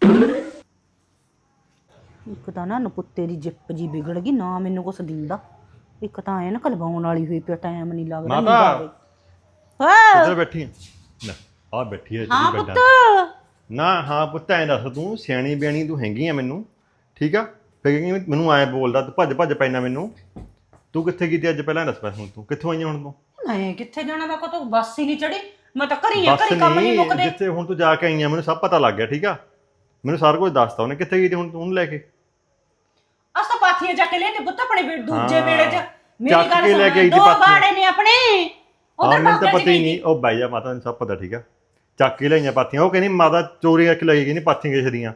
Speaker 1: ਇੱਕ ਤਾਂ ਨਾ ਨਪੁੱਤੇ ਦੀ ਜਿੱਪ ਜੀ ਵਿਗੜ ਗਈ ਨਾ, ਮੈਨੂੰ ਕੁਛ ਦਿੰਦਾ। ਇੱਕ ਤਾਂ ਐ ਨਾ ਕਲਵਾਉਣ ਵਾਲੀ ਹੋਈ ਪਿਆ, ਟਾਈਮ ਨਹੀਂ ਲੱਗਦਾ।
Speaker 3: ਮਾਤਾ
Speaker 1: ਹਾਂ
Speaker 3: ਇੱਧਰ ਬੈਠੀ ਆ ਲੈ, ਆ ਬੈਠੀ ਆ
Speaker 1: ਹਾਂ
Speaker 3: ਜਿਹੜੀ
Speaker 1: ਪੁੱਤ।
Speaker 3: ਨਾ ਹਾਂ ਪੁੱਤ ਐਂ ਦੱਸ, ਤੂੰ ਸਿਆਣੀ ਬਿਆਣੀ ਤੂੰ ਹੈਗੀ ਆ ਮੈਨੂੰ, ਠੀਕ ਆ? ਫਿਰ ਮੈਨੂੰ ਐਂ ਬੋਲਦਾ ਤੂੰ, ਭੱਜ ਭੱਜ ਪੈਣਾ ਮੈਨੂੰ। ਤੂੰ ਕਿੱਥੇ ਕੀਤੀ ਅੱਜ ਪਹਿਲਾਂ ਦੱਸ। ਹੁਣ ਤੂੰ ਕਿੱਥੋਂ ਆਈ ਹੁਣ? ਤੂੰ
Speaker 1: ਮੈਂ ਕਿੱਥੇ ਜਾਣਾ, ਮੈਂ ਕੋ ਬੱਸ ਹੀ ਨਹੀਂ ਚੜੀ, ਮੈਂ ਤਾਂ ਘਰੀ ਆ, ਘਰੀ ਕੰਮ ਨਹੀਂ ਮੁੱਕਦੇ।
Speaker 3: ਜਿੱਥੇ ਹੁਣ ਤੂੰ ਜਾ ਕੇ ਆਈ ਆ ਮੈਨੂੰ ਸਭ ਪਤਾ ਲੱਗ ਗਿਆ, ਠੀਕ ਆ? ਮੈਨੂੰ ਸਾਰਾ ਕੁਝ ਦੱਸਤਾ ਉਹਨੇ। ਕਿੱਥੇ ਗਈ ਤੀ ਹੁਣ ਤੂੰ ਉਹਨੂੰ ਲੈ ਕੇ?
Speaker 1: ਅਸ ਤਾਂ ਪਾਥੀਆਂ ਚੱਕ ਕੇ ਲੈ ਤੇ ਪੁੱਤ ਆਪਣੇ ਦੂਜੇ ਵੇੜੇ 'ਚ।
Speaker 3: ਚੱਕ ਕੇ ਲੈ ਕੇ ਆਈ ਤੀ
Speaker 1: ਦੋ
Speaker 3: ਪਾਥੀਆਂ।
Speaker 1: ਬਾੜੇ ਨੇ ਆਪਣੇ
Speaker 3: ਹਾਂ ਮੈਨੂੰ ਤਾਂ ਪਤਾ ਹੀ ਨਹੀਂ। ਉਹ ਬਾਈ ਜਾ ਮਾਤਾ ਨੂੰ ਸਭ ਪਤਾ, ਠੀਕ ਆ? ਚੱਕ ਕੇ ਲਈਆਂ ਪਾਥੀਆਂ। ਉਹ ਕਹਿੰਦੀ ਮਾਤਾ ਚੋਰੀ ਕਰਕੇ ਲੈ ਗਈ ਨਹੀਂ ਪਾਥੀਆਂ ਕਿਸੇ ਦੀਆਂ।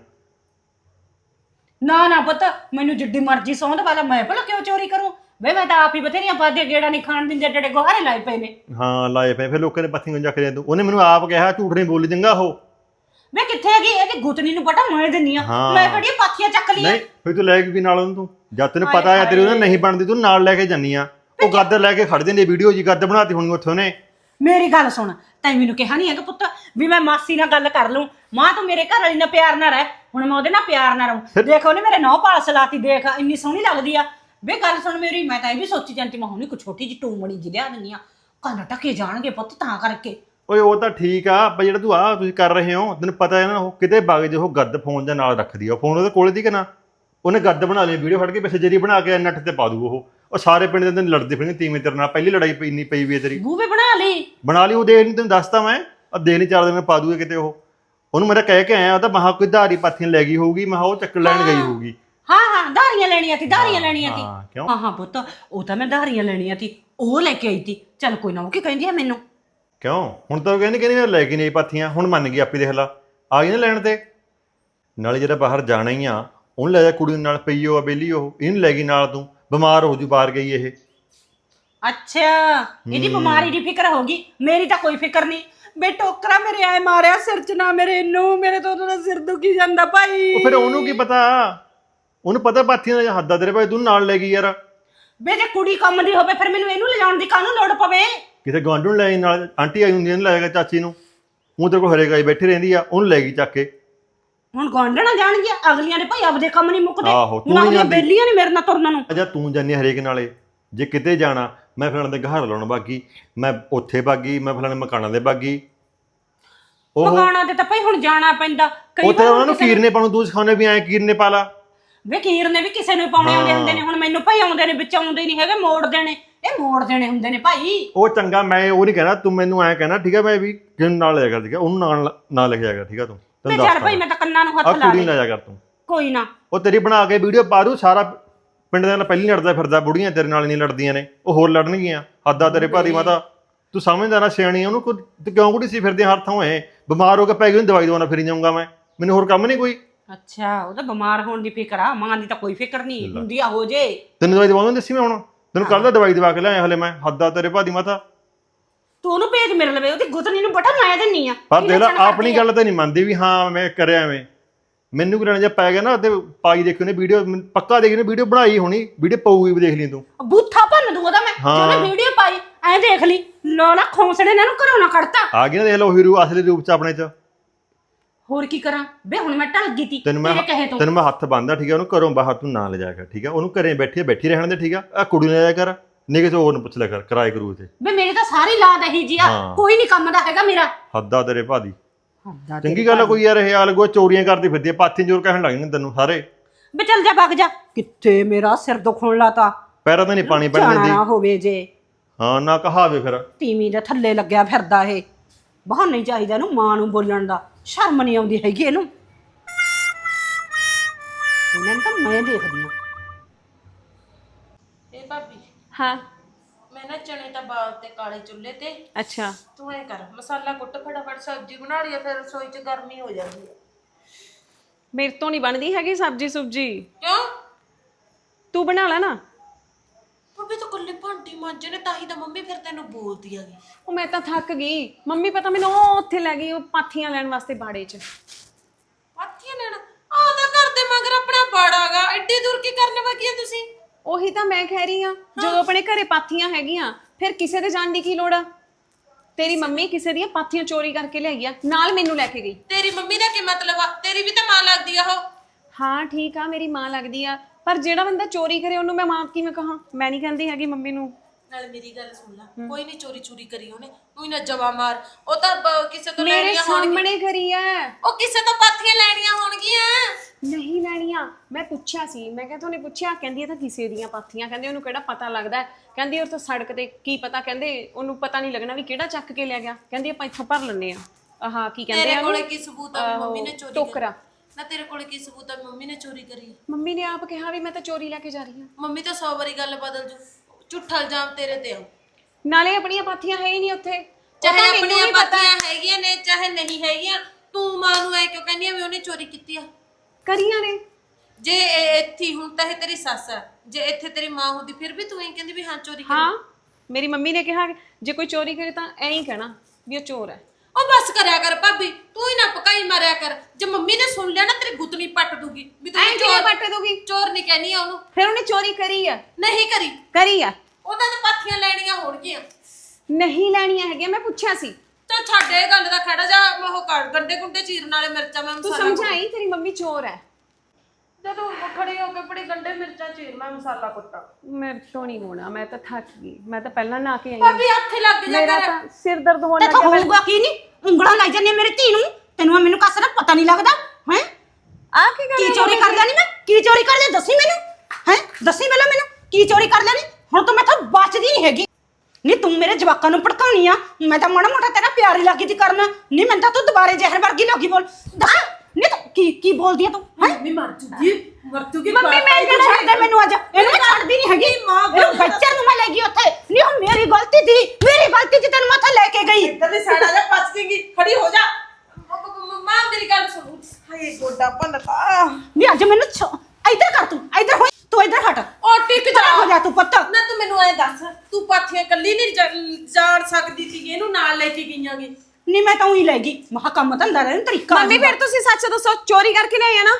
Speaker 1: ਨਾ ਨਾ ਪੁੱਤ, ਮੈਨੂੰ ਜਿੱਡੀ ਮਰਜ਼ੀ ਸੌਂਦ ਵਾਲਾ, ਮੈਂ ਭਲਾ ਕਿਉਂ ਚੋਰੀ ਕਰੂੰ? ਵੇ ਮੈਂ ਤਾਂ ਆਪ ਹੀ ਬਥੇਰੀਆਂ ਪਾਦੀਆਂ ਗੇੜਾ ਨਹੀਂ ਖਾਣ ਦਿੰਦੇ, ਜਿਹੜੇ ਗੁਹਾਰੇ ਲਾਏ ਪਏ ਨੇ।
Speaker 3: ਹਾਂ ਲਾਏ ਪਏ, ਫਿਰ ਲੋਕਾਂ ਨੇ ਪਾਥੀਆਂ ਚੱਕ ਲਿਆ। ਤੂੰ ਉਹਨੇ ਮੈਨੂੰ ਆਪ ਕਿਹਾ, ਝੂਠ ਨਹੀਂ ਬੋਲੀ ਚੰਗਾ ਉਹ।
Speaker 1: ਵੇ ਕਿੱਥੇ ਹੈਗੀ ਇਹਦੀ ਗੁੱਤਨੀ ਨੂੰ ਪਟਾ ਮੈਂ ਦਿੰਨੀ ਆ। ਮੈਂ ਕਿਹੜੀ ਪਾਥੀਆਂ ਚੱਕ ਲਈਆਂ?
Speaker 3: ਨਹੀਂ ਫਿਰ ਤੂੰ ਲੈ ਕੇ ਵੀ ਨਾਲ ਉਹਨੂੰ, ਤੂੰ ਜਦ ਤੈਨੂੰ ਪਤਾ ਆ ਤੇਰੀ ਉਹਨਾਂ ਨਹੀਂ ਬਣਦੀ ਤੂੰ ਨਾਲ ਲੈ ਕੇ ਜਾਨੀ ਆ। ਉਹ ਗੱਦ ਲੈ ਕੇ ਖੜ ਜਾਂਦੀ ਵੀਡੀਓ ਜੀ, ਗੱਦ ਬਣਾਤੀ ਹੋਣੀ ਉੱਥੇ ਉਹਨੇ।
Speaker 1: ਮੇਰੀ ਗੱਲ ਸੁਣ, ਤੈਂ ਮੈਨੂੰ ਕਿਹਾ ਨਹੀਂ ਹੈਗਾ ਪੁੱਤ ਵੀ ਮੈਂ ਮਾਸੀ ਨਾਲ ਗੱਲ ਕਰ ਲੂੰ। ਮਾਂ ਤੂੰ ਮੇਰੇ ਘਰ ਵਾਲੀ ਨਾਲ ਪਿਆਰ ਨਾਲ ਰਹਿ, ਹੁਣ ਮੈਂ ਉਹਦੇ ਨਾਲ ਪਿਆਰ ਨਾਲ ਰਹੂੰ। ਦੇਖ ਉਹਨੇ ਮੇਰੇ ਨੌ ਪਾਲਸ ਲਾਤੀ, ਦੇਖ ਇੰਨੀ ਸੋਹਣੀ ਲੱਗਦੀ ਆ। ਵੇ ਗੱਲ ਸੁਣ ਮੇਰੀ, ਮੈਂ ਤਾਂ ਇਹ ਵੀ ਸੋਚੀ ਜਾਂਦੀ ਮੈਂ ਹੁਣ ਇੱਕ ਛੋਟੀ ਜਿਹੀ ਟੂਮਣੀ ਜਿਹੀ ਲਿਆ ਦਿੰਦੀ ਆ, ਕੰਨ ਟੱਕੇ ਜਾਣਗੇ ਪੁੱਤ ਤਾਂ ਕਰਕੇ।
Speaker 3: ਓਏ ਉਹ ਤਾਂ ਠੀਕ ਆ, ਪਰ ਜਿਹੜਾ ਤੂੰ ਆ ਤੁਸੀਂ ਕਰ ਰਹੇ ਹੋ, ਤੈਨੂੰ ਪਤਾ ਹੈ ਨਾ ਉਹ ਕਿਤੇ ਵਗ ਜੇ ਉਹ ਗੱਦ ਫੋਨ ਦੇ ਨਾਲ ਰੱਖਦੀ ਆ। ਫੋਨ ਉਹਦੇ ਕੋਲੇ ਦੀ ਕਿ ਨਾ, ਉਹਨੇ ਗੱਦ ਬਣਾ ਲਈ, ਵੀਡੀਓ ਫੜ ਕੇ ਪਿੱਛੇ ਜਿਹੜੀ ਬਣਾ ਕੇ ਨੈੱਟ ਤੇ ਪਾ ਦੂ। ਉਹ ਸਾਰੇ ਪਿੰਡ ਦੇ ਦਿਨ ਲੜਦੇ ਫਿਰਨਗੇ ਤੀਵੇਂ ਤੇਰੇ ਨਾਲ। ਪਹਿਲੀ ਲੜਾਈ ਇੰਨੀ ਪਈ ਵੀ ਹੈ ਤੇਰੀ।
Speaker 1: ਬੂਵੇ ਬਣਾ ਲਈ
Speaker 3: ਉਹ ਦੇਖ ਨਹੀਂ, ਤੈਨੂੰ ਦੱਸਦਾ ਮੈਂ। ਆ ਦੇ ਨਹੀਂ 4 ਦਿਨ ਮੈਂ ਪਾ ਦੂਗੇ ਕਿਤੇ। ਉਹਨੂੰ ਮੇਰਾ ਕਹਿ ਕੇ ਆਇਆ, ਉਹ ਤਾਂ ਮਹਾ ਕੋਈ ਧਾਰੀ ਪਾਥੀਆਂ ਲੈ ਗਈ ਹੋਊਗੀ, ਮਹਾ ਉਹ ਚੱਕਰ ਲੈਣ ਗਈ ਹੋਊਗੀ।
Speaker 1: ਹਾਂ ਹਾਂ ਧਾਰੀਆਂ ਲੈਣੀਆਂ ਸੀ, ਧਾਰੀਆਂ ਲੈਣੀਆਂ ਸੀ।
Speaker 3: ਕਿਉਂ?
Speaker 1: ਹਾਂ ਹਾਂ ਪੁੱਤ, ਉਹ ਤਾਂ ਮੈਂ ਧਾਰੀਆਂ ਲੈਣੀਆਂ ਸੀ, ਉਹ ਲੈ ਕੇ ਆਈ ਸੀ। ਚੱਲ ਕੋਈ ਨਾ, ਉਹ ਕੀ ਕਹਿੰਦੀ ਆ ਮੈਨੂੰ?
Speaker 3: ਕਿਉਂ ਹੁਣ ਤਾਂ ਕਹਿੰਦੀ ਮੈਂ ਲੈ ਕੇ ਨਹੀਂ ਪਾਥੀਆਂ। ਹੁਣ ਮੰਨ ਗਈ ਆਪੇ, ਦੇਖ ਲਾ ਆ ਗਈ ਨਾ ਲੈਣ ਤੇ। ਨਾਲੇ ਜਿਹੜਾ ਬਾਹਰ ਜਾਣਾ ਹੀ ਆ, ਉਹਨੂੰ ਲੈ ਜਾ ਕੁੜੀ ਨਾਲ, ਪਈ ਉਹ ਬੇਲੀ, ਉਹ ਇਹਨੂੰ ਲੈ ਗਈ ਨਾਲ। ਤੂੰ ਬਿਮਾਰ ਹੋ ਜੂ, ਬਾਹਰ ਗਈ ਇਹ।
Speaker 1: ਅੱਛਾ ਇਹਦੀ ਬਿਮਾਰੀ ਦੀ ਫਿਕਰ ਹੋਗੀ, ਮੇਰੀ ਤਾਂ ਕੋਈ ਫਿਕਰ ਨਹੀਂ। ਬੇ ਟੋਕਰਾ ਮੇਰੇ ਆਏ ਮਾਰਿਆ ਸਿਰ 'ਚ ਨਾ, ਮੇਰੇ ਮੇਰੇ ਤੋਂ ਉਹਦਾ ਸਿਰ ਦੁਖੀ ਜਾਂਦਾ ਭਾਈ।
Speaker 3: ਉਹ ਫਿਰ ਉਹਨੂੰ ਕੀ ਪਤਾ, ਉਹਨੂੰ ਪਤਾ ਪਾਥੀਆਂ ਦਾ ਹੱਦ ਆ ਤੇਰੇ ਭਾਈ, ਤੂੰ ਨਾਲ ਲੈ ਗਈ ਯਾਰ।
Speaker 1: ਬੇ ਜੇ ਕੁੜੀ ਕੰਮ ਦੀ ਹੋਵੇ ਫਿਰ ਮੈਨੂੰ ਇਹਨੂੰ ਲਿਜਾਣ ਦੀ ਕਾਹਨੂੰ ਲੋੜ ਪਵੇ?
Speaker 3: ਕਿਸੇ ਗਵਾਂਢੂ ਨੂੰ ਲੈ ਨਾਲ, ਆਂਟੀ ਆਈ ਹੁੰਦੀ, ਇਹਨੂੰ ਲੈ ਗਿਆ ਚਾਚੀ ਨੂੰ। ਉਹ ਤੇਰੇ ਕੋਲ ਹਰੇਕ ਆਈ ਬੈਠੀ ਰਹਿੰਦੀ ਆ, ਉਹਨੂੰ ਲੈ ਗਈ ਚੱਕ ਕੇ।
Speaker 1: ਹੁਣ ਗਵਾਂਢਣਾ ਜਾਣਗੀਆਂ ਅਗਲੀਆਂ ਦੇ ਭਾਈ, ਆਪਦੇ ਕੰਮ ਨਹੀਂ ਮੁੱਕਦੇ।
Speaker 3: ਆਹੋ ਤੂੰ
Speaker 1: ਨਾ ਬੇਲੀਆਂ ਨਹੀਂ ਮੇਰੇ ਨਾਲ ਤੁਰਨ ਨੂੰ।
Speaker 3: ਅਜਾ ਤੂੰ ਜਾਨੀ ਹਰੇਕ ਨਾਲੇ। ਜੇ ਕਿਤੇ ਜਾਣਾ, ਮੈਂ ਫਲਾਣੇ ਦੇ ਘਰ ਲਾਉਣ ਬਾਗੀ, ਮੈਂ ਉੱਥੇ ਬਾਗੀ, ਮੈਂ ਫਲਾਣੇ ਮਕਾਨਾਂ ਦੇ ਬਾਗੀ।
Speaker 1: ਮਕਾਨਾਂ ਤੇ ਤਾਂ ਭਾਈ ਹੁਣ ਜਾਣਾ ਪੈਂਦਾ।
Speaker 3: ਉੱਥੇ ਉਹਨਾਂ ਨੂੰ ਕੀਰਨੇ ਪਾਉਣ ਤੂੰ ਸਿਖਾਉਣੇ ਵੀ ਐਂ ਕੀਰਨੇ ਪਾ ਲਾ।
Speaker 1: ਵੇ ਕੀਰਨੇ ਵੀ ਕਿਸੇ ਨੂੰ ਪਾਉਣੇ ਆਉਂਦੇ ਹੁੰਦੇ ਨੇ। ਹੁਣ ਮੈਨੂੰ ਭਾਈ ਆਉਂਦੇ ਨੇ, ਵਿੱਚ ਆਉਂਦੇ ਨਹੀਂ ਹੈਗੇ, ਮੋੜ ਦੇਣੇ। ਇਹ ਮੋੜ ਦੇਣੇ ਹੁੰਦੇ ਨੇ ਭਾਈ।
Speaker 3: ਉਹ ਚੰਗਾ, ਮੈਂ ਉਹ ਨਹੀਂ ਕਹਿਣਾ, ਤੂੰ ਮੈਨੂੰ ਐਂ ਕਹਿਣਾ, ਠੀਕ ਆ? ਮੈਂ ਵੀ ਕਿਹਨੂੰ ਨਾਲ ਲੈ ਜਾ ਕਰ, ਠੀਕ ਆ? ਉਹਨੂੰ ਨਾਲ ਲੈ ਕੇ ਜਾ ਕਰ, ਠੀਕ ਆ? ਤੂੰ
Speaker 1: ਚੱਲ ਭਾਈ ਮੈਂ ਤਾਂ ਕੰਨਾਂ ਨੂੰ ਹੱਥ ਲਾ
Speaker 3: ਕੁੜੀ ਲੈ ਜਾ ਕਰ ਤੂੰ।
Speaker 1: ਕੋਈ ਨਾ
Speaker 3: ਉਹ ਤੇਰੀ ਬਣਾ ਕੇ ਵੀਡੀਓ ਪਾ ਦੂ, ਸਾਰਾ ਪਿੰਡ ਦੇ ਨਾਲ ਪਹਿਲੀ ਲੜਦਾ ਫਿਰਦਾ, ਬੁੜੀਆਂ ਤੇਰੇ ਨਾਲ ਨਹੀਂ ਲੜਦੀਆਂ ਨੇ, ਉਹ ਹੋਰ ਲੜਨਗੀਆਂ। ਹੱਦਾਂ ਤੇਰੇ ਭਾਰੀ ਮਾਤਾ, ਤੂੰ ਸਮਝਦਾ ਨਾ, ਸਿਆਣੀ ਉਹਨੂੰ ਕਿਉਂ ਕੁੜੀ ਸੀ ਫਿਰਦੀ ਹਰ ਥਾਂ ਐ, ਬਿਮਾਰ ਹੋ ਕੇ ਪੈ ਗਈ, ਉਹਨੂੰ ਦਵਾਈ ਦਵਾਉਣਾ ਫਿਰੀ ਜਾਊਂਗਾ ਮੈਂ, ਮੈਨੂੰ ਹੋਰ ਕੰਮ ਨਹੀਂ ਕੋਈ।
Speaker 1: ਅੱਛਾ, ਉਹਦਾ ਬਿਮਾਰ ਹੋਣ ਦੀ ਫਿਕਰ ਆ, ਮਾਂ ਦੀ ਤਾਂ ਕੋਈ ਫਿਕਰ ਨਹੀਂ ਹੁੰਦੀ ਆ ਹੋ ਜੇ।
Speaker 3: ਤੈਨੂੰ ਦਵਾਈ ਦਵਾਉਂ ਦੱਸੀ ਮੈਂ ਹੁਣ, ਤੈਨੂੰ ਕੱਲ ਦਾ ਦਵਾਈ ਦਵਾ ਕੇ ਲਿਆਇਆ ਹਲੇ ਮੈਂ। ਹੱਦਾਂ ਤੇਰੇ ਭਾਰੀ ਮਾਤਾ,
Speaker 1: ਤੂੰ ਉਹਨੂੰ ਭੇਜ ਮੇਰੇ ਲਵੇ, ਉਹਦੀ ਗੁੱਤਨੀ ਨੂੰ ਬਟਨ ਲਾਇਆ ਦਿੰਨੀ ਆ।
Speaker 3: ਪਰ ਦੇਖ ਲਾ ਆਪਣੀ ਗੱਲ ਤਾਂ ਨਹੀਂ ਮੰਨਦੀ ਵੀ ਹਾਂ ਮੈਂ ਕਰਿਆ ਐਵੇਂ। ਮੈਨੂੰ ਕਿਹੜਾ ਜੇ ਪੈ ਗਿਆ ਨਾ ਤੇ ਪਾਈ ਦੇਖੀ ਉਹਨੇ ਵੀਡੀਓ, ਪੱਕਾ ਦੇਖੀ ਨੇ ਵੀਡੀਓ ਬਣਾਈ ਹੋਣੀ, ਵੀਡੀਓ ਪਾਊਗੀ ਵੀ, ਦੇਖ ਲਈ ਤੂੰ।
Speaker 1: ਬੂਥਾ ਭੰਨ ਦੂੰ ਉਹਦਾ ਮੈਂ, ਜੇ ਉਹਨੇ ਵੀਡੀਓ ਪਾਈ ਐ ਦੇਖ ਲਈ, ਲੋਲਾ ਖੌਂਸੜੇ ਨੇ ਇਹਨੂੰ ਘਰੋਂ ਨਾ ਕੱਢਤਾ।
Speaker 3: ਆ ਗਈ ਨਾ ਦੇਖ ਲਾ ਉਹੀ ਰੂਪ, ਅਸਲੀ ਰੂਪ ਚ ਆਪਣੇ ਚ।
Speaker 1: ਹੋਰ ਕੀ ਕਰਾਂ ਬੇ, ਹੁਣ ਮੈਂ ਢਲ ਗਈ ਤੀ
Speaker 3: ਤੈਨੂੰ ਮੈਂ ਹੱਥ ਬੰਨਦਾ, ਠੀਕ ਹੈ, ਉਹਨੂੰ ਘਰੋਂ ਬਾਹਰ ਤੂੰ ਨਾ ਲਿਜਾ ਕਰ, ਠੀਕ ਹੈ, ਉਹਨੂੰ ਘਰੇ ਬੈਠੀ ਰਹਿਣ ਦੇ, ਠੀਕ ਆ। ਆ ਕੁੜੀ ਨੂੰ ਲਿਆ ਕਰ, ਨਹੀਂ ਕਿਸੇ ਹੋਰ ਨੂੰ ਪੁੱਛ ਲਿਆ ਕਰ ਕਿਰਾਏ ਕਰੂ ਤੇ।
Speaker 1: ਬੇ ਮੇਰੀ ਤਾਂ ਸਾਰੀ ਲਾਦ ਇਹੀ ਜੀ ਆ, ਕੋਈ ਨਹੀਂ ਕੰਮ ਦਾ ਹੈਗਾ ਮੇਰਾ।
Speaker 3: ਹੱਦਾਂ ਤੇਰੇ ਭਾਦੀ, ਚੰਗੀ ਗੱਲ ਆ ਕੋਈ ਯਾਰ, ਇਹ ਆਲਗੋ ਚੋਰੀਆਂ ਕਰਦੀ ਫਿਰਦੀ, ਪਾਥੀ ਚੋਰ ਕਹਿਣ ਲੱਗ ਜਾਂਦੇ ਤੈਨੂੰ ਸਾਰੇ।
Speaker 1: ਬੇ ਚੱਲ ਜਾ ਵਗ ਜਾ, ਕਿੱਥੇ ਮੇਰਾ ਸਿਰ ਦੁਖਣ ਲਾਤਾ।
Speaker 3: ਪੈਰਾਂ ਤਾਂ ਨਹੀਂ ਪਾਣੀ ਪੈਣ ਦਿੰਦੀ
Speaker 1: ਨਾ ਹੋਵੇ ਜੇ,
Speaker 3: ਹਾਂ ਨਾ ਕਹਾਵੇ ਫਿਰ।
Speaker 1: ਤੀਵੀਂ ਦੇ ਥੱਲੇ ਲੱਗਿਆ ਫਿਰਦਾ ਇਹ, ਬਹਾਨਾ ਹੀ ਚਾਹੀਦਾ ਇਹਨੂੰ ਮਾਂ ਨੂੰ ਬੋਲਣ ਦਾ, ਸ਼ਰਮ ਨਹੀਂ ਆਉਂਦੀ ਹੈਗੀ ਇਹਨੂੰ। ਇਹਨਾਂ ਨੂੰ ਤਾਂ ਮੈਂ ਦੇਖਦੀ ਆ।
Speaker 4: ਇਹ ਭਾਬੀ,
Speaker 2: ਹਾਂ
Speaker 4: ਮੈਂ ਨਾ ਚਣੇ ਤਾਂ ਬਾਲ ਤੇ ਕਾਲੇ ਚੁੱਲ੍ਹੇ ਤੇ।
Speaker 2: ਅੱਛਾ,
Speaker 4: ਤੂੰ ਐ ਕਰ, ਮਸਾਲਾ ਕੁੱਟ, ਫਟਾਫਟ ਸਬਜ਼ੀ ਬਣਾ ਲਈ, ਫਿਰ ਰਸੋਈ 'ਚ ਗਰਮੀ ਹੋ ਜਾਂਦੀ ਹੈ।
Speaker 2: ਮੇਰੇ ਤੋਂ ਨਹੀਂ ਬਣਦੀ ਹੈਗੀ ਸਬਜੀ ਸੁਬਜੀ,
Speaker 4: ਕਿਉਂ
Speaker 2: ਤੂੰ ਬਣਾ ਲੈ ਨਾ।
Speaker 4: ਭਾਬੀ ਤੂੰ ਇਕੱਲੇ ਭਾਂਡੇ ਮਾਂਜੇ ਨੇ, ਤਾਂ ਹੀ ਤਾਂ ਮੰਮੀ ਫਿਰ ਤੈਨੂੰ ਬੋਲਦੀ ਆਗੀ।
Speaker 2: ਉਹ ਮੈਂ ਤਾਂ ਥੱਕ ਗਈ, ਮੰਮੀ ਪਤਾ ਮੈਨੂੰ ਉਹ ਉੱਥੇ ਲੈ ਗਈ, ਉਹ ਪਾਥੀਆਂ ਲੈਣ ਵਾਸਤੇ ਬਾੜੇ 'ਚ।
Speaker 4: ਪਾਥੀਆਂ ਲੈਣਾ ਆਉਂਦਾ, ਘਰ ਦੇ ਮਗਰ ਆਪਣਾ ਬਾੜਾਗਾ, ਐਡੀ ਦੂਰ ਕੀ ਕਰਨ ਵਗੀਆਂ ਤੁਸੀਂ?
Speaker 2: ਉਹੀ ਤਾਂ ਮੈਂ ਕਹਿ ਰਹੀ ਆ, ਜਦੋਂ ਆਪਣੇ ਘਰੇ ਪਾਥੀਆਂ ਹੈਗੀਆਂ ਫਿਰ ਕਿਸੇ ਦੇ ਜਾਣ ਦੀ ਕੀ ਲੋੜ ਆ। ਤੇਰੀ ਮੰਮੀ ਕਿਸੇ ਦੀਆਂ ਪਾਥੀਆਂ ਚੋਰੀ ਕਰਕੇ ਲਿਆਈ ਆ, ਨਾਲ ਮੈਨੂੰ ਲੈ ਕੇ ਗਈ।
Speaker 4: ਤੇਰੀ ਮੰਮੀ ਦਾ ਕੀ ਮਤਲਬ ਆ? ਤੇਰੀ ਵੀ ਤਾਂ ਮਾਂ ਲੱਗਦੀ ਆ ਉਹ।
Speaker 2: ਹਾਂ ਠੀਕ ਆ, ਮੇਰੀ ਮਾਂ ਲੱਗਦੀ ਆ, ਪਰ ਜਿਹੜਾ ਬੰਦਾ ਚੋਰੀ ਕਰੇ ਉਹਨੂੰ ਮੈਂ ਮਾਂ ਕਿਵੇਂ ਕਹਾਂ? ਮੈਂ ਨਹੀਂ ਕਹਿੰਦੀ ਹੈਗੀ ਮੰਮੀ ਨੂੰ।
Speaker 4: ਨਾਲ ਮੇਰੀ ਗੱਲ ਸੁਣ ਲੈ, ਕੋਈ ਨਹੀਂ ਚੋਰੀ ਕਰੀ ਉਹਨੇ, ਤੂੰ ਹੀ ਨਾ ਜਵਾ ਮਾਰ। ਉਹ ਤਾਂ ਕਿਸੇ ਤੋਂ
Speaker 2: ਮੇਰੇ
Speaker 4: ਲੈਣੀਆਂ
Speaker 2: ਸਾਹਮਣੇ ਕਰੀ ਐ,
Speaker 4: ਉਹ ਕਿਸੇ ਤੋਂ ਪਾਥੀਆਂ ਲੈਣੀਆਂ ਹੋਣਗੀਆਂ।
Speaker 2: ਨਹੀਂ ਲੈਣੀਆਂ। ਮੈਂ ਪੁੱਛਿਆ ਸੀ, ਮੈਂ ਕਿਹਾ ਤੁਹਾਨੂੰ ਪੁੱਛਿਆ, ਕਹਿੰਦੀ ਇਹ ਤਾਂ ਕਿਸੇ ਦੀਆਂ ਪਾਥੀਆਂ, ਕਹਿੰਦੇ ਉਹਨੂੰ ਕਿਹੜਾ ਪਤਾ ਲੱਗਦਾ, ਕਹਿੰਦੀ ਉਹ ਤਾਂ ਸੜਕ ਤੇ ਕੀ ਪਤਾ, ਕਹਿੰਦੇ ਉਹਨੂੰ ਪਤਾ ਨਹੀਂ ਲੱਗਣਾ ਵੀ ਕਿਹੜਾ ਚੱਕ ਕੇ ਲੈ ਗਿਆ, ਕਹਿੰਦੀ ਆਪਾਂ ਇੱਥੋਂ ਭਰ ਲੈਂਦੇ ਆ। ਆਹ ਕੀ ਕਹਿੰਦੇ ਆ,
Speaker 4: ਤੇਰੇ ਕੋਲੇ ਕੀ ਸਬੂਤ ਆ ਵੀ ਮੰਮੀ ਨੇ ਚੋਰੀ
Speaker 2: ਟੋਕਰਾ।
Speaker 4: ਨਾ ਤੇਰੇ ਕੋਲੇ ਕੀ ਸਬੂਤ ਆ ਵੀ ਮੰਮੀ ਨੇ ਚੋਰੀ ਕਰੀ?
Speaker 2: ਮੰਮੀ ਨੇ ਆਪ ਕਿਹਾ ਵੀ ਮੈਂ ਤਾਂ ਚੋਰੀ ਲੈ ਕੇ ਜਾ ਰਹੀ ਹਾਂ।
Speaker 4: ਮੰਮੀ ਤਾਂ 100 ਵਾਰੀ ਗੱਲ ਬਦਲ ਜੂ, ਝੂਠਾ ਇਲਜ਼ਾਮ ਤੇਰੇ ਤੇ ਆਉ।
Speaker 2: ਨਾਲੇ ਆਪਣੀਆਂ ਪਾਥੀਆਂ ਹੈ ਹੀ ਨਹੀਂ ਉੱਥੇ,
Speaker 4: ਚਾਹੇ ਆਪਣੀਆਂ ਪਾਥੀਆਂ ਹੈਗੀਆਂ ਨੇ ਚਾਹੇ ਨਹੀਂ ਹੈਗੀਆਂ, ਤੂੰ ਮਾਂ ਨੂੰ ਐ ਕਿਉਂ ਕਹਿੰਦੀ ਆ ਵੀ ਉਹਨੇ ਚੋਰੀ ਕੀਤੀ ਆ?
Speaker 2: ਕਰੀਆਂ ਨੇ।
Speaker 4: ਜੇ ਇੱਥੇ ਹੁਣ ਤਾਂ ਇਹ ਤੇਰੀ ਸੱਸ ਆ, ਜੇ ਇੱਥੇ ਤੇਰੀ ਮਾਂ ਹੁੰਦੀ ਫਿਰ ਵੀ ਤੂੰ ਐਂ ਕਹਿੰਦੀ ਵੀ ਹਾਂ ਚੋਰੀ ਕਰੀ।
Speaker 2: ਹਾਂ, ਮੇਰੀ ਮੰਮੀ ਨੇ ਕਿਹਾ ਜੇ ਕੋਈ ਚੋਰੀ ਕਰੇ ਤਾਂ ਐਂ ਹੀ ਕਹਿਣਾ ਵੀ ਉਹ ਚੋਰ ਹੈ।
Speaker 4: ਉਹ ਬਸ ਕਰਿਆ ਕਰ ਭਾਬੀ, ਤੂੰ ਹੀ ਨਾ ਪਕਾਈ ਮਾਰਿਆ ਕਰ। ਜੇ ਮੰਮੀ ਨੇ ਸੁਣ ਲਿਆ ਨਾ ਤੇਰੀ ਗੁੱਤਨੀ ਪੱਟ ਦੂਗੀ ਵੀ ਤੂੰ
Speaker 2: ਕਿਵੇਂ ਪੱਟ ਦੂਗੀ?
Speaker 4: ਚੋਰ ਨਹੀਂ ਕਹਿਨੀ ਆ ਉਹਨੂੰ।
Speaker 2: ਫਿਰ ਉਹਨੇ ਚੋਰੀ ਕਰੀ ਆ?
Speaker 4: ਨਹੀਂ ਕਰੀ।
Speaker 2: ਕਰੀ ਆ।
Speaker 4: ਉਹਨਾਂ ਨੇ ਪਾਥੀਆਂ ਲੈਣੀਆਂ ਹੋਣਗੀਆਂ।
Speaker 2: ਨਹੀਂ ਲੈਣੀਆਂ ਹੈਗੀਆਂ, ਮੈਂ ਪੁੱਛਿਆ ਸੀ।
Speaker 4: ਤਾਂ ਛੱਡ ਇਹ ਗੱਲ ਦਾ ਖੜਾ ਜਾ, ਉਹ ਗੰਡੇ ਗੁੰਡੇ ਚੀਰਨ ਵਾਲੇ ਮਿਰਚਾਂ ਮੈਂ
Speaker 2: ਤੂੰ ਸਮਝਾਈ ਤੇਰੀ ਮੰਮੀ ਚੋਰ ਹੈ।
Speaker 4: ਜਦੋਂ ਖੜੇ ਹੋ ਕੇ ਬੜੀ ਗੰਡੇ ਮਿਰਚਾਂ ਚੀਰ ਮੈਂ ਮਸਾਲਾ ਕੁੱਟਾਂ।
Speaker 2: ਮੇਰੇ ਤੋਂ ਨਹੀਂ ਹੋਣਾ, ਮੈਂ ਤਾਂ ਥੱਕ ਗਈ, ਮੈਂ ਤਾਂ ਪਹਿਲਾਂ ਨਾ ਕੇ ਆਈ।
Speaker 4: ਭਾਬੀ ਹੱਥ ਲੱਗ ਜਾ
Speaker 2: ਮੇਰਾ
Speaker 4: ਕਰ।
Speaker 2: ਤਾਂ ਸਿਰ ਦਰਦ ਹੋਣ
Speaker 1: ਤੇ
Speaker 2: ਲੱਗ ਗਿਆ।
Speaker 1: ਹੋਊਗਾ ਕੀ ਨਹੀਂ, ਉਂਗਲਾਂ ਲਾਈ ਜਾਂਦੀ ਮੇਰੀ ਧੀ ਨੂੰ, ਤੈਨੂੰ ਮੈਨੂੰ ਕਸਰ ਪਤਾ ਨਹੀਂ ਲੱਗਦਾ ਹੈ?
Speaker 2: ਆ ਕੀ ਗੱਲ
Speaker 1: ਕੀ ਚੋਰੀ ਕਰ ਲਿਆ ਨੀ ਮੈਂ? ਕੀ ਚੋਰੀ ਕਰ ਲਿਆ ਦੱਸੀ ਮੈਨੂੰ, ਹੈ ਦੱਸੀ ਪਹਿਲਾਂ ਮੈਨੂੰ ਕੀ ਚੋਰੀ ਕਰ ਲਿਆ ਨੀ? ਹੁਣ ਤੂੰ ਮੈਥੋਂ ਬਚਦੀ ਨਹੀਂ ਹੈਗੀ। ਨਹੀਂ ਤੂੰ ਮੇਰੇ ਜਵਾਕਾਂ ਨੂੰ ਭੜਕਾਉਣੀ ਆ, ਮੈਂ ਤਾਂ ਮਾੜਾ ਮੋਟਾ ਤੇਰਾ ਪਿਆਰ ਹੀ ਲੱਗੀ ਤੀ ਕਰਨ। ਨਹੀਂ ਮੈਂ ਤਾਂ ਤੂੰ ਦੁਬਾਰੇ ਜ਼ਹਿਰ ਵਰਗੀ ਲੱਗੀ ਬੋਲ। ਦੱਸ ਨਹੀਂ ਤੂੰ ਕੀ ਬੋਲਦੀ ਆ ਤੂੰ?
Speaker 4: ਮੰਮੀ ਮਰ ਜੂਗੀ
Speaker 1: ਮੰਮੀ ਮੈਂ ਕਿਹੜਾ ਛੱਡ ਦੇ ਮੈਨੂੰ ਅੱਜ, ਇਹਨੂੰ ਮੈਂ ਛੱਡਦੀ ਨਹੀਂ ਹੈਗੀ। ਇਹ ਬੱਚੇ ਨੂੰ ਮੈਂ ਲੈ ਗਈ ਉੱਥੇ, ਨਹੀਂ ਉਹ ਮੇਰੀ ਗਲਤੀ ਸੀ, ਮੇਰੀ ਗਲਤੀ ਸੀ, ਤੈਨੂੰ ਮੈਂ ਉੱਥੇ ਲੈ ਕੇ ਗਈ।
Speaker 4: ਇੱਧਰ ਦੀ ਸਾਈਡ ਆ ਜਾ, ਪੱਛ ਜੇਗੀ, ਖੜੀ ਹੋ ਜਾ। ਮਾਂ ਮੇਰੀ ਗੱਲ ਸੁਣ। ਹਾਏ ਗੋਡਾ ਭੰਨਤਾ।
Speaker 1: ਨਹੀਂ ਅੱਜ ਮੈਨੂੰ ਇੱਧਰ ਕਰ, ਤੂੰ ਇੱਧਰ ਹੋ, ਤੂੰ ਇੱਧਰ ਹਟ।
Speaker 4: ਉਹ ਟਿਕ ਜਾ
Speaker 1: ਹੋ ਜਾ ਤੂੰ ਪੁੱਤ।
Speaker 4: ਨਾ ਤੂੰ ਮੈਨੂੰ ਐ ਦੱਸ, ਤੂੰ ਪਾਥੀਆਂ ਕੱਲੀ ਨਹੀਂ ਜਾਣ ਸਕਦੀ ਸੀ, ਇਹਨੂੰ ਨਾਲ ਲੈ ਕੇ ਗਈਆਂਗੇ?
Speaker 1: ਨਹੀਂ ਮੈਂ ਤਾਂ ਉਹੀ ਲੈ ਗਈ, ਮਹਾ ਕੰਮ ਧੰਦਾ ਰਹਿਣ ਤਰੀਕਾ।
Speaker 2: ਮੰਮੀ ਫਿਰ ਤੁਸੀਂ ਸੱਚ ਦੱਸੋ, ਚੋਰੀ ਕਰਕੇ ਲਿਆਈ ਆ ਨਾ?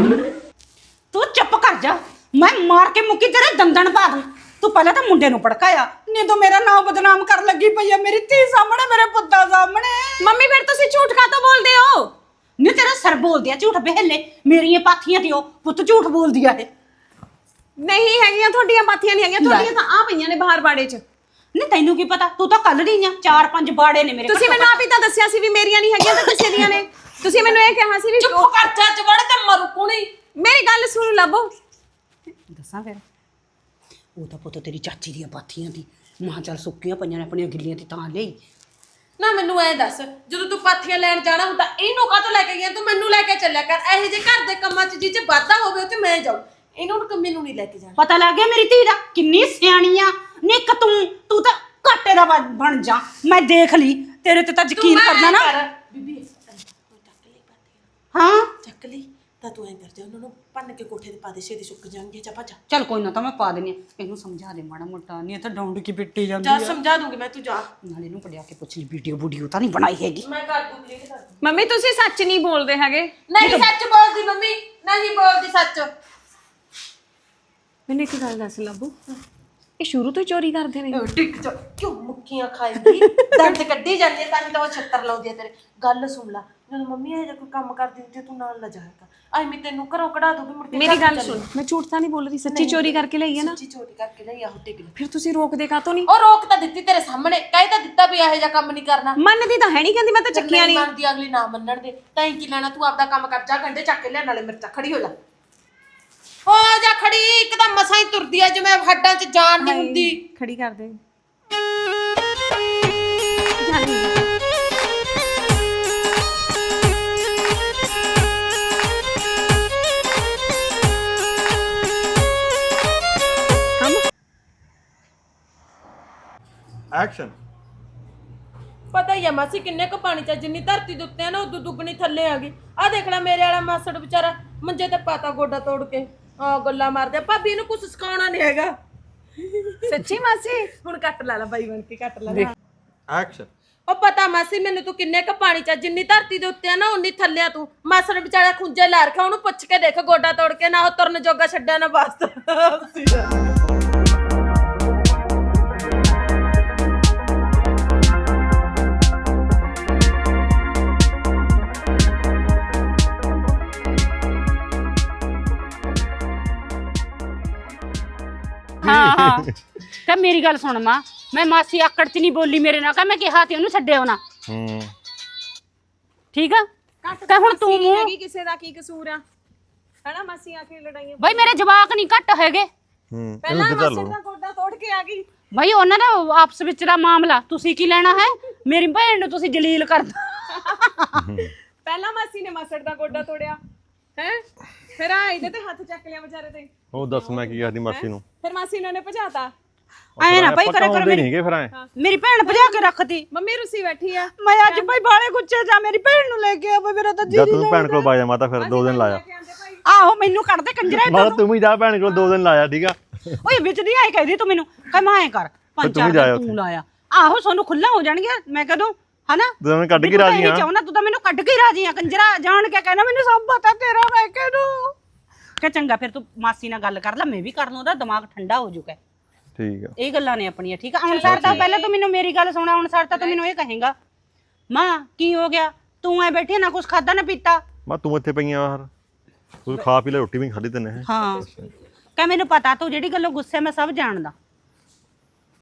Speaker 1: ਤੂੰ ਚੁੱਪ ਕਰ ਜਾ, ਮੈਂ ਮਾਰ ਕੇ ਮੁੱਕੀ ਤੇਰੇ ਦੰਦਣ ਪਾ ਦੂੰ। ਤੂੰ ਪਹਿਲਾਂ ਤਾਂ ਮੁੰਡੇ ਨੂੰ ਭੜਕਾਇਆ, ਨਹੀਂ ਤੂੰ ਮੇਰਾ ਨਾਮ ਬਦਨਾਮ ਕਰਨ ਲੱਗੀ ਪਈ ਆ ਮੇਰੀ ਧੀ ਸਾਹਮਣੇ, ਮੇਰੇ ਪੁੱਤਾਂ ਸਾਹਮਣੇ।
Speaker 2: ਮੰਮੀ ਫਿਰ ਤੁਸੀਂ ਝੂਠ ਕਾਹਤੋਂ ਬੋਲਦੇ ਹੋ?
Speaker 1: ਨਹੀਂ ਤੇਰਾ ਸਰ ਬੋਲਦੀ ਆ ਝੂਠ ਬਹਿਲੇ, ਮੇਰੀਆਂ ਪਾਥੀਆਂ ਤੇ ਉਹ ਪੁੱਤ ਝੂਠ ਬੋਲਦੀ ਆ ਇਹ।
Speaker 2: ਨਹੀਂ ਹੈਗੀਆਂ ਤੁਹਾਡੀਆਂ ਪਾਥੀਆਂ, ਨਹੀਂ ਹੈਗੀਆਂ ਤੁਹਾਡੀਆਂ, ਤਾਂ ਆ ਪਈਆਂ ਨੇ ਬਾਹਰ ਬਾੜੇ 'ਚ।
Speaker 1: ਨਹੀਂ ਤੈਨੂੰ ਕੀ ਪਤਾ, ਤੂੰ ਤਾਂ ਕੱਲ ਦੀ ਆ, 4-5 ਬਾੜੇ ਨੇ ਮੇਰੇ।
Speaker 2: ਤੁਸੀਂ ਮੈਨੂੰ ਆਪ ਹੀ ਤਾਂ ਦੱਸਿਆ ਸੀ ਵੀ ਮੇਰੀਆਂ ਨਹੀਂ ਹੈਗੀਆਂ ਤਾਂ ਕਿਸੇ ਦੀਆਂ ਨੇ। ਤੁਸੀਂ ਮੈਨੂੰ ਇਹ ਕਿਹਾ ਸੀ ਵੀ
Speaker 4: ਚੁੱਪ ਕਰ ਜਾ, ਜਵੜ ਤੇ ਮਰੂ ਕੋਣੀ।
Speaker 2: ਮੇਰੀ ਗੱਲ ਸੁਣ ਲੱਭੋ।
Speaker 1: ਦੱਸਾਂ ਫਿਰ, ਉਹ ਤਾਂ ਪੁੱਤ ਤੇਰੀ ਚਾਚੀ ਦੀਆਂ ਪਾਥੀਆਂ ਦੀ, ਮਾਂ ਚੱਲ ਸੁੱਕੀਆਂ ਪਈਆਂ ਨੇ ਆਪਣੀਆਂ ਗਿੱਲੀਆਂ ਤੇ ਤਾਂ ਲਈ।
Speaker 4: ਨਾ ਮੈਨੂੰ ਐ ਦੱਸ, ਜਦੋਂ ਤੂੰ ਪਾਥੀਆਂ ਲੈਣ ਜਾਣਾ ਹੁੰਦਾ ਇਹਨੂੰ ਕਾਹਤੋਂ ਲੈ ਕੇ ਗਿਆ? ਤੂੰ ਮੈਨੂੰ ਲੈ ਕੇ ਚੱਲਿਆ ਕਰ। ਇਹੋ ਜਿਹੇ ਘਰ ਦੇ ਕੰਮਾਂ 'ਚ ਜਿਹ 'ਚ ਵਾਧਾ ਹੋਵੇ ਉੱਥੇ ਮੈਂ ਜਾਊਂ। ਇਹਨੂੰ ਮੈਨੂੰ ਨਹੀਂ ਲੈ ਕੇ ਜਾਣਾ।
Speaker 1: ਪਤਾ ਲੱਗ ਗਿਆ ਮੇਰੀ ਧੀ ਦਾ ਕਿੰਨੀ ਸਿਆਣੀ ਆ। ਨਿੱਕ ਤੂੰ ਤਾਂ ਘਾਟੇ ਦਾ ਬਣ ਜਾ। ਮੈਂ ਦੇਖ ਲਈ ਤੇਰੇ ਤੇ ਤਾਂ ਯਕੀਨ ਕਰਦਾ ਨਾ।
Speaker 4: ਬੀਬੀ ਚੱਕ ਲਈ ਪਾਥੀਆਂ।
Speaker 1: ਹਾਂ
Speaker 4: ਚੱਕ ਲਈ ਤਾਂ ਤੂੰ ਐਂ ਕਰ ਜਾ, ਉਹਨਾਂ ਨੂੰ ਭੰਨ ਕੇ ਕੋਠੇ ਤੇ ਪਾ ਦੇ, ਛੇਤੀ ਸੁੱਕ ਜਾਣਗੇ। ਜਾ ਭੱਜ
Speaker 1: ਚੱਲ ਕੋਈ ਨਾ, ਤਾਂ ਮੈਂ ਪਾ ਦਿੰਦੀ ਆ। ਇਹਨੂੰ ਸਮਝਾ ਦੇ ਮਾੜਾ ਮੋਟਾ, ਨਹੀਂ ਤਾਂ ਡੌਂਡ ਕੀ ਪਿੱਟੀ ਜਾਂਦੀ
Speaker 4: ਜਾ,
Speaker 1: ਆ।
Speaker 4: ਸਮਝਾ ਦੂੰਗੀ ਮੈਂ, ਤੂੰ ਜਾ।
Speaker 1: ਨਾਲੇ ਇਹਨੂੰ ਪੜਿਆ ਕੇ ਪੁੱਛ ਲਈ ਵੀਡੀਓ ਤਾਂ ਨਹੀਂ ਬਣਾਈ ਹੈਗੀ।
Speaker 4: ਮੈਂ ਕਰ ਦੂੰ, ਕਲੀਅਰ ਕਰ ਦੂੰ।
Speaker 2: ਮੰਮੀ ਤੁਸੀਂ ਸੱਚ ਨਹੀਂ ਬੋਲਦੇ ਹੈਗੇ।
Speaker 4: ਨਹੀਂ ਸੱਚ ਬੋਲਦੀ ਮੰਮੀ, ਨਹੀਂ ਬੋਲਦੀ ਸੱਚ।
Speaker 2: ਮੈਨੂੰ ਇੱਕ ਗੱਲ ਦੱਸ ਲੱਭੂ, ਇਹ ਸ਼ੁਰੂ ਤੋਂ ਹੀ ਚੋਰੀ ਕਰਦੇ ਨੇ?
Speaker 4: ਟਿਕ ਚ ਕਿਉਂ ਮੁੱਕੀਆਂ ਖਾਏਗੀ? ਦੰਦ ਕੱਢੀ ਜਾਂਦੀ ਹੈ ਤਾਂ ਉਹ ਛੱਤਰ ਲਾਉਂਦੀ ਹੈ ਤੇਰੇ। ਗੱਲ ਸੁਣ ਲੈ, ਜਦੋਂ ਮੰਮੀ ਇਹ ਜਿਹਾ ਕੋਈ ਕੰਮ ਕਰਦੀ ਹੁੰਦੀ ਤੂੰ ਨਾਲ ਲੈ ਜਾਇਆ ਕਰ। ਐਵੇਂ ਤੈਨੂੰ ਘਰੋਂ ਕਢਾ ਦੂਗੀ ਮੁੜ ਕੇ।
Speaker 2: ਮੇਰੀ ਗੱਲ ਸੁਣ, ਮੈਂ ਝੂਠ ਤਾਂ ਨਹੀਂ ਬੋਲ ਰਹੀ, ਸੱਚੀ ਚੋਰੀ ਕਰਕੇ ਲਈ ਹੈ ਨਾ?
Speaker 4: ਸੱਚੀ ਚੋਰੀ ਕਰਕੇ ਲਈ ਆਹੋ, ਟਿਕ ਲੈ।
Speaker 2: ਫਿਰ ਤੁਸੀਂ ਰੋਕਦੇ ਕਾਹਤੋਂ ਨਹੀਂ?
Speaker 4: ਉਹ ਰੋਕ ਤਾਂ ਦਿੱਤੀ ਤੇਰੇ ਸਾਹਮਣੇ, ਕਹਿ ਤਾਂ ਦਿੱਤਾ ਵੀ ਇਹੋ ਜਿਹਾ ਕੰਮ ਨਹੀਂ ਕਰਨਾ।
Speaker 2: ਮੰਨਦੀ ਤਾਂ ਹੈ ਨਹੀਂ, ਕਹਿੰਦੀ ਮੈਂ ਤਾਂ ਚੱਕੀਆਂ ਨਹੀਂ।
Speaker 4: ਮੰਨਦੀ ਅਗਲੀ ਨਾ ਮੰਨਣ ਦੇ, ਤਾਂ ਕੀ ਲੈਣਾ? ਤੂੰ ਆਪਦਾ ਕੰਮ ਕਰ, ਜਾ ਗੰਢੇ ਚੱਕ ਕੇ ਲਿਆ, ਨਾਲੇ ਮਿਰਚਾਂ। ਖੜੀ ਹੋ ਜਾ, ਹੋ ਜਾ ਖੜੀ। ਇੱਕ ਤਾਂ ਮਸਾਂ ਹੀ ਤੁਰਦੀ ਆ ਜਿਵੇਂ ਹੱਡਾਂ 'ਚ ਜਾਨ ਨਹੀਂ ਹੁੰਦੀ।
Speaker 2: ਖੜੀ ਕਰ ਦੇ। ਜਾਨੀ
Speaker 3: ਐਕਸ਼ਨ।
Speaker 4: ਪਤਾ ਹੀ ਆ ਮਾਸੀ ਕਿੰਨੇ ਕੁ ਪਾਣੀ 'ਚ, ਜਿੰਨੀ ਧਰਤੀ ਦੇ ਉੱਤੇ ਆ ਨਾ ਉਦੋਂ ਦੁੱਗਣੀ ਥੱਲੇ ਆ ਗਈ। ਆ ਦੇਖ ਲੈ ਮੇਰੇ ਵਾਲਾ ਮਾਸੜ ਵਿਚਾਰਾ ਮੰਜੇ ਤੇ ਪਾਤਾ ਗੋਡਾ ਤੋੜ ਕੇ। ਆ ਗੱਲਾਂ ਮਾਰਦੇ। ਭਾਬੀ ਇਹਨੂੰ ਕੁਝ ਸਿਖਾਉਣਾ ਨਹੀਂ ਹੈਗਾ।
Speaker 2: ਸੱਚੀ ਮਾਸੀ?
Speaker 4: ਹੁਣ ਕੱਟ ਲਾ ਬਾਈ ਬਣ ਕੇ, ਕੱਟ ਲਾ।
Speaker 3: ਐਕਸ਼ਨ।
Speaker 4: ਉਹ ਪਤਾ ਮਾਸੀ ਮੈਨੂੰ ਤੂੰ ਕਿੰਨੇ ਕੁ ਪਾਣੀ 'ਚ, ਜਿੰਨੀ ਧਰਤੀ ਦੇ ਉੱਤੇ ਆ ਨਾ ਉਨੀ ਥੱਲੇ ਆ ਤੂੰ। ਮਾਸੜ ਵਿਚਾਰਾ ਖੁੰਝੇ ਲਾ ਰੱਖਿਆ, ਉਹਨੂੰ ਪੁੱਛ ਕੇ ਦੇਖ, ਗੋਡਾ ਤੋੜ ਕੇ ਨਾ ਉਹ ਤੁਰਨ ਜੋਗਾ ਛੱਡਿਆ ਨਾ ਵਾਸਤਾ।
Speaker 1: ਹਾਂ ਕਹ ਮੇਰੀ ਗੱਲ ਸੁਣ ਮਾਂ, ਮੈਂ ਮਾਸੀ ਆਕੜ ਚ ਨਹੀਂ ਬੋਲੀ ਮੇਰੇ ਨਾਲ। ਕਹ ਮੈਂ ਕਿਹਾ ਤੇ ਉਹਨੂੰ ਛੱਡਿਓ ਨਾ। ਠੀਕ ਆ? ਕਹ ਹੁਣ ਤੂੰ ਮੂੰਹ
Speaker 2: ਹੈਗੀ ਕਿਸੇ ਦਾ ਕੀ ਕਸੂਰ ਆ? ਹੈਨਾ ਮਾਸੀ ਆ ਕੇ ਲੜਾਈਆਂ।
Speaker 1: ਬਈ ਮੇਰੇ ਜਵਾਕ ਨਹੀਂ ਘੱਟ ਹੈਗੇ।
Speaker 2: ਪਹਿਲਾਂ ਮਾਸੜ ਦਾ ਗੋਡਾ ਤੋੜ ਕੇ ਆ ਗਈ।
Speaker 1: ਬਈ ਉਹਨਾਂ ਦਾ ਆਪਸ ਵਿੱਚ ਦਾ ਮਾਮਲਾ, ਤੁਸੀਂ ਕੀ ਲੈਣਾ ਹੈ? ਮੇਰੀ ਭੈਣ ਨੂੰ ਤੁਸੀਂ ਜਲੀਲ ਕਰਦਾ।
Speaker 2: ਪਹਿਲਾਂ ਮਾਸੀ ਨੇ ਮਾਸੜ ਦਾ ਗੋਡਾ ਤੋੜਿਆ ਹੈ, ਫਿਰ ਆ ਇਹਦੇ ਤੇ ਹੱਥ ਚੱਕ ਲਿਆ ਵਿਚਾਰੇ ਤੇ।
Speaker 3: ਉਹ ਦੱਸ ਮੈਂ ਕੀ ਕਰਦੀ ਮਾਸੀ ਨੂੰ?
Speaker 2: ਫਿਰ ਮਾਸੀ ਨੇ ਭਜਾਤਾ।
Speaker 1: ਐ ਨਾ ਭਾਈ ਕਰੇ ਕਰੋ।
Speaker 3: ਨਹੀਂਗੇ ਫਿਰ ਐ
Speaker 1: ਮੇਰੀ ਭੈਣ ਭਜਾ ਕੇ ਰੱਖਤੀ।
Speaker 2: ਮੰਮੀ ਰੁੱਸੀ ਬੈਠੀ ਆ।
Speaker 1: ਮੈਂ ਅੱਜ ਭਾਈ ਬਾਲੇ ਗੁੱਛੇ ਜਾ ਮੇਰੀ ਭੈਣ ਨੂੰ ਲੈ ਕੇ ਆ। ਮੇਰਾ ਤਾਂ
Speaker 3: ਜਦ ਤੂੰ ਭੈਣ ਕੋਲ ਬਾਜਾ ਮਾਤਾ ਫਿਰ 2 ਦਿਨ ਲਾਇਆ।
Speaker 1: ਆਹੋ ਮੈਨੂੰ ਕੱਢ ਦੇ ਕੰਜਰਾ।
Speaker 3: ਮਾਤਾ ਤੂੰ ਵੀ ਜਾ ਭੈਣ ਕੋਲ 2 ਦਿਨ ਲਾਇਆ। ਠੀਕ ਆ?
Speaker 1: ਓਏ ਵਿੱਚ ਦੀ ਆਏ ਕਹਿੰਦੀ ਤੂੰ ਮੈਨੂੰ ਕਹ ਮੈਂ ਐ ਕਰ 5-4 ਦਿਨ ਤੂੰ ਲਾਇਆ। ਆਹੋ ਸੋਨੂੰ ਖੁੱਲਾ ਹੋ ਜਾਣਗੇ। ਮੈਂ ਕਦੋਂ ਹਨਾ
Speaker 3: ਤੂੰ ਮੈਨੂੰ ਕੱਢ ਕੇ ਰਾਜੀ ਆ।
Speaker 1: ਚਾਹੁੰਦਾ ਤੂੰ ਤਾਂ ਮੈਨੂੰ ਕੱਢ ਕੇ ਰਾਜੀ ਆ। ਕੰਜਰਾ ਜਾਣ ਕੇ ਕਹਿਣਾ ਮੈਨੂੰ ਸਭ ਪਤਾ ਤੇਰਾ। ਮੈਂ ਕਿਹਨੂੰ ਕਿ ਚੰਗਾ ਫਿਰ ਤੂੰ ਮਾਸੀ ਨਾਲ ਗੱਲ ਕਰ ਲੈ, ਮੈਂ ਵੀ ਕਰ ਲੂੰ, ਉਹਦਾ ਦਿਮਾਗ ਠੰਡਾ ਹੋ ਜਾਊਗਾ।
Speaker 3: ਠੀਕ ਆ,
Speaker 1: ਇਹ ਗੱਲਾਂ ਨੇ ਆਪਣੀਆਂ। ਠੀਕ ਆ? ਹੁਣ ਸਰ ਤਾਂ ਪਹਿਲਾਂ ਤੂੰ ਮੈਨੂੰ ਮੇਰੀ ਗੱਲ ਸੁਣਾ। ਹੁਣ ਸਰ ਤਾਂ ਤੂੰ ਮੈਨੂੰ ਇਹ ਕਹੇਗਾ ਮਾਂ ਕੀ ਹੋ ਗਿਆ, ਤੂੰ ਐ ਬੈਠੀ ਨਾ ਕੁਛ ਖਾਦਾ ਨਾ ਪੀਤਾ।
Speaker 3: ਮੈਂ ਤੂੰ ਇੱਥੇ ਪਈਆਂ ਬਾਹਰ, ਤੂੰ ਖਾ ਪੀ ਲੈ, ਰੋਟੀ ਵੀ ਖਾਧੀ ਤੈਨੇ।
Speaker 1: ਹਾਂ ਕਹ ਮੈਨੂੰ ਪਤਾ ਤੂੰ ਜਿਹੜੀ ਗੱਲੋਂ ਗੁੱਸੇ ਮੈਂ ਸਭ ਜਾਣਦਾ।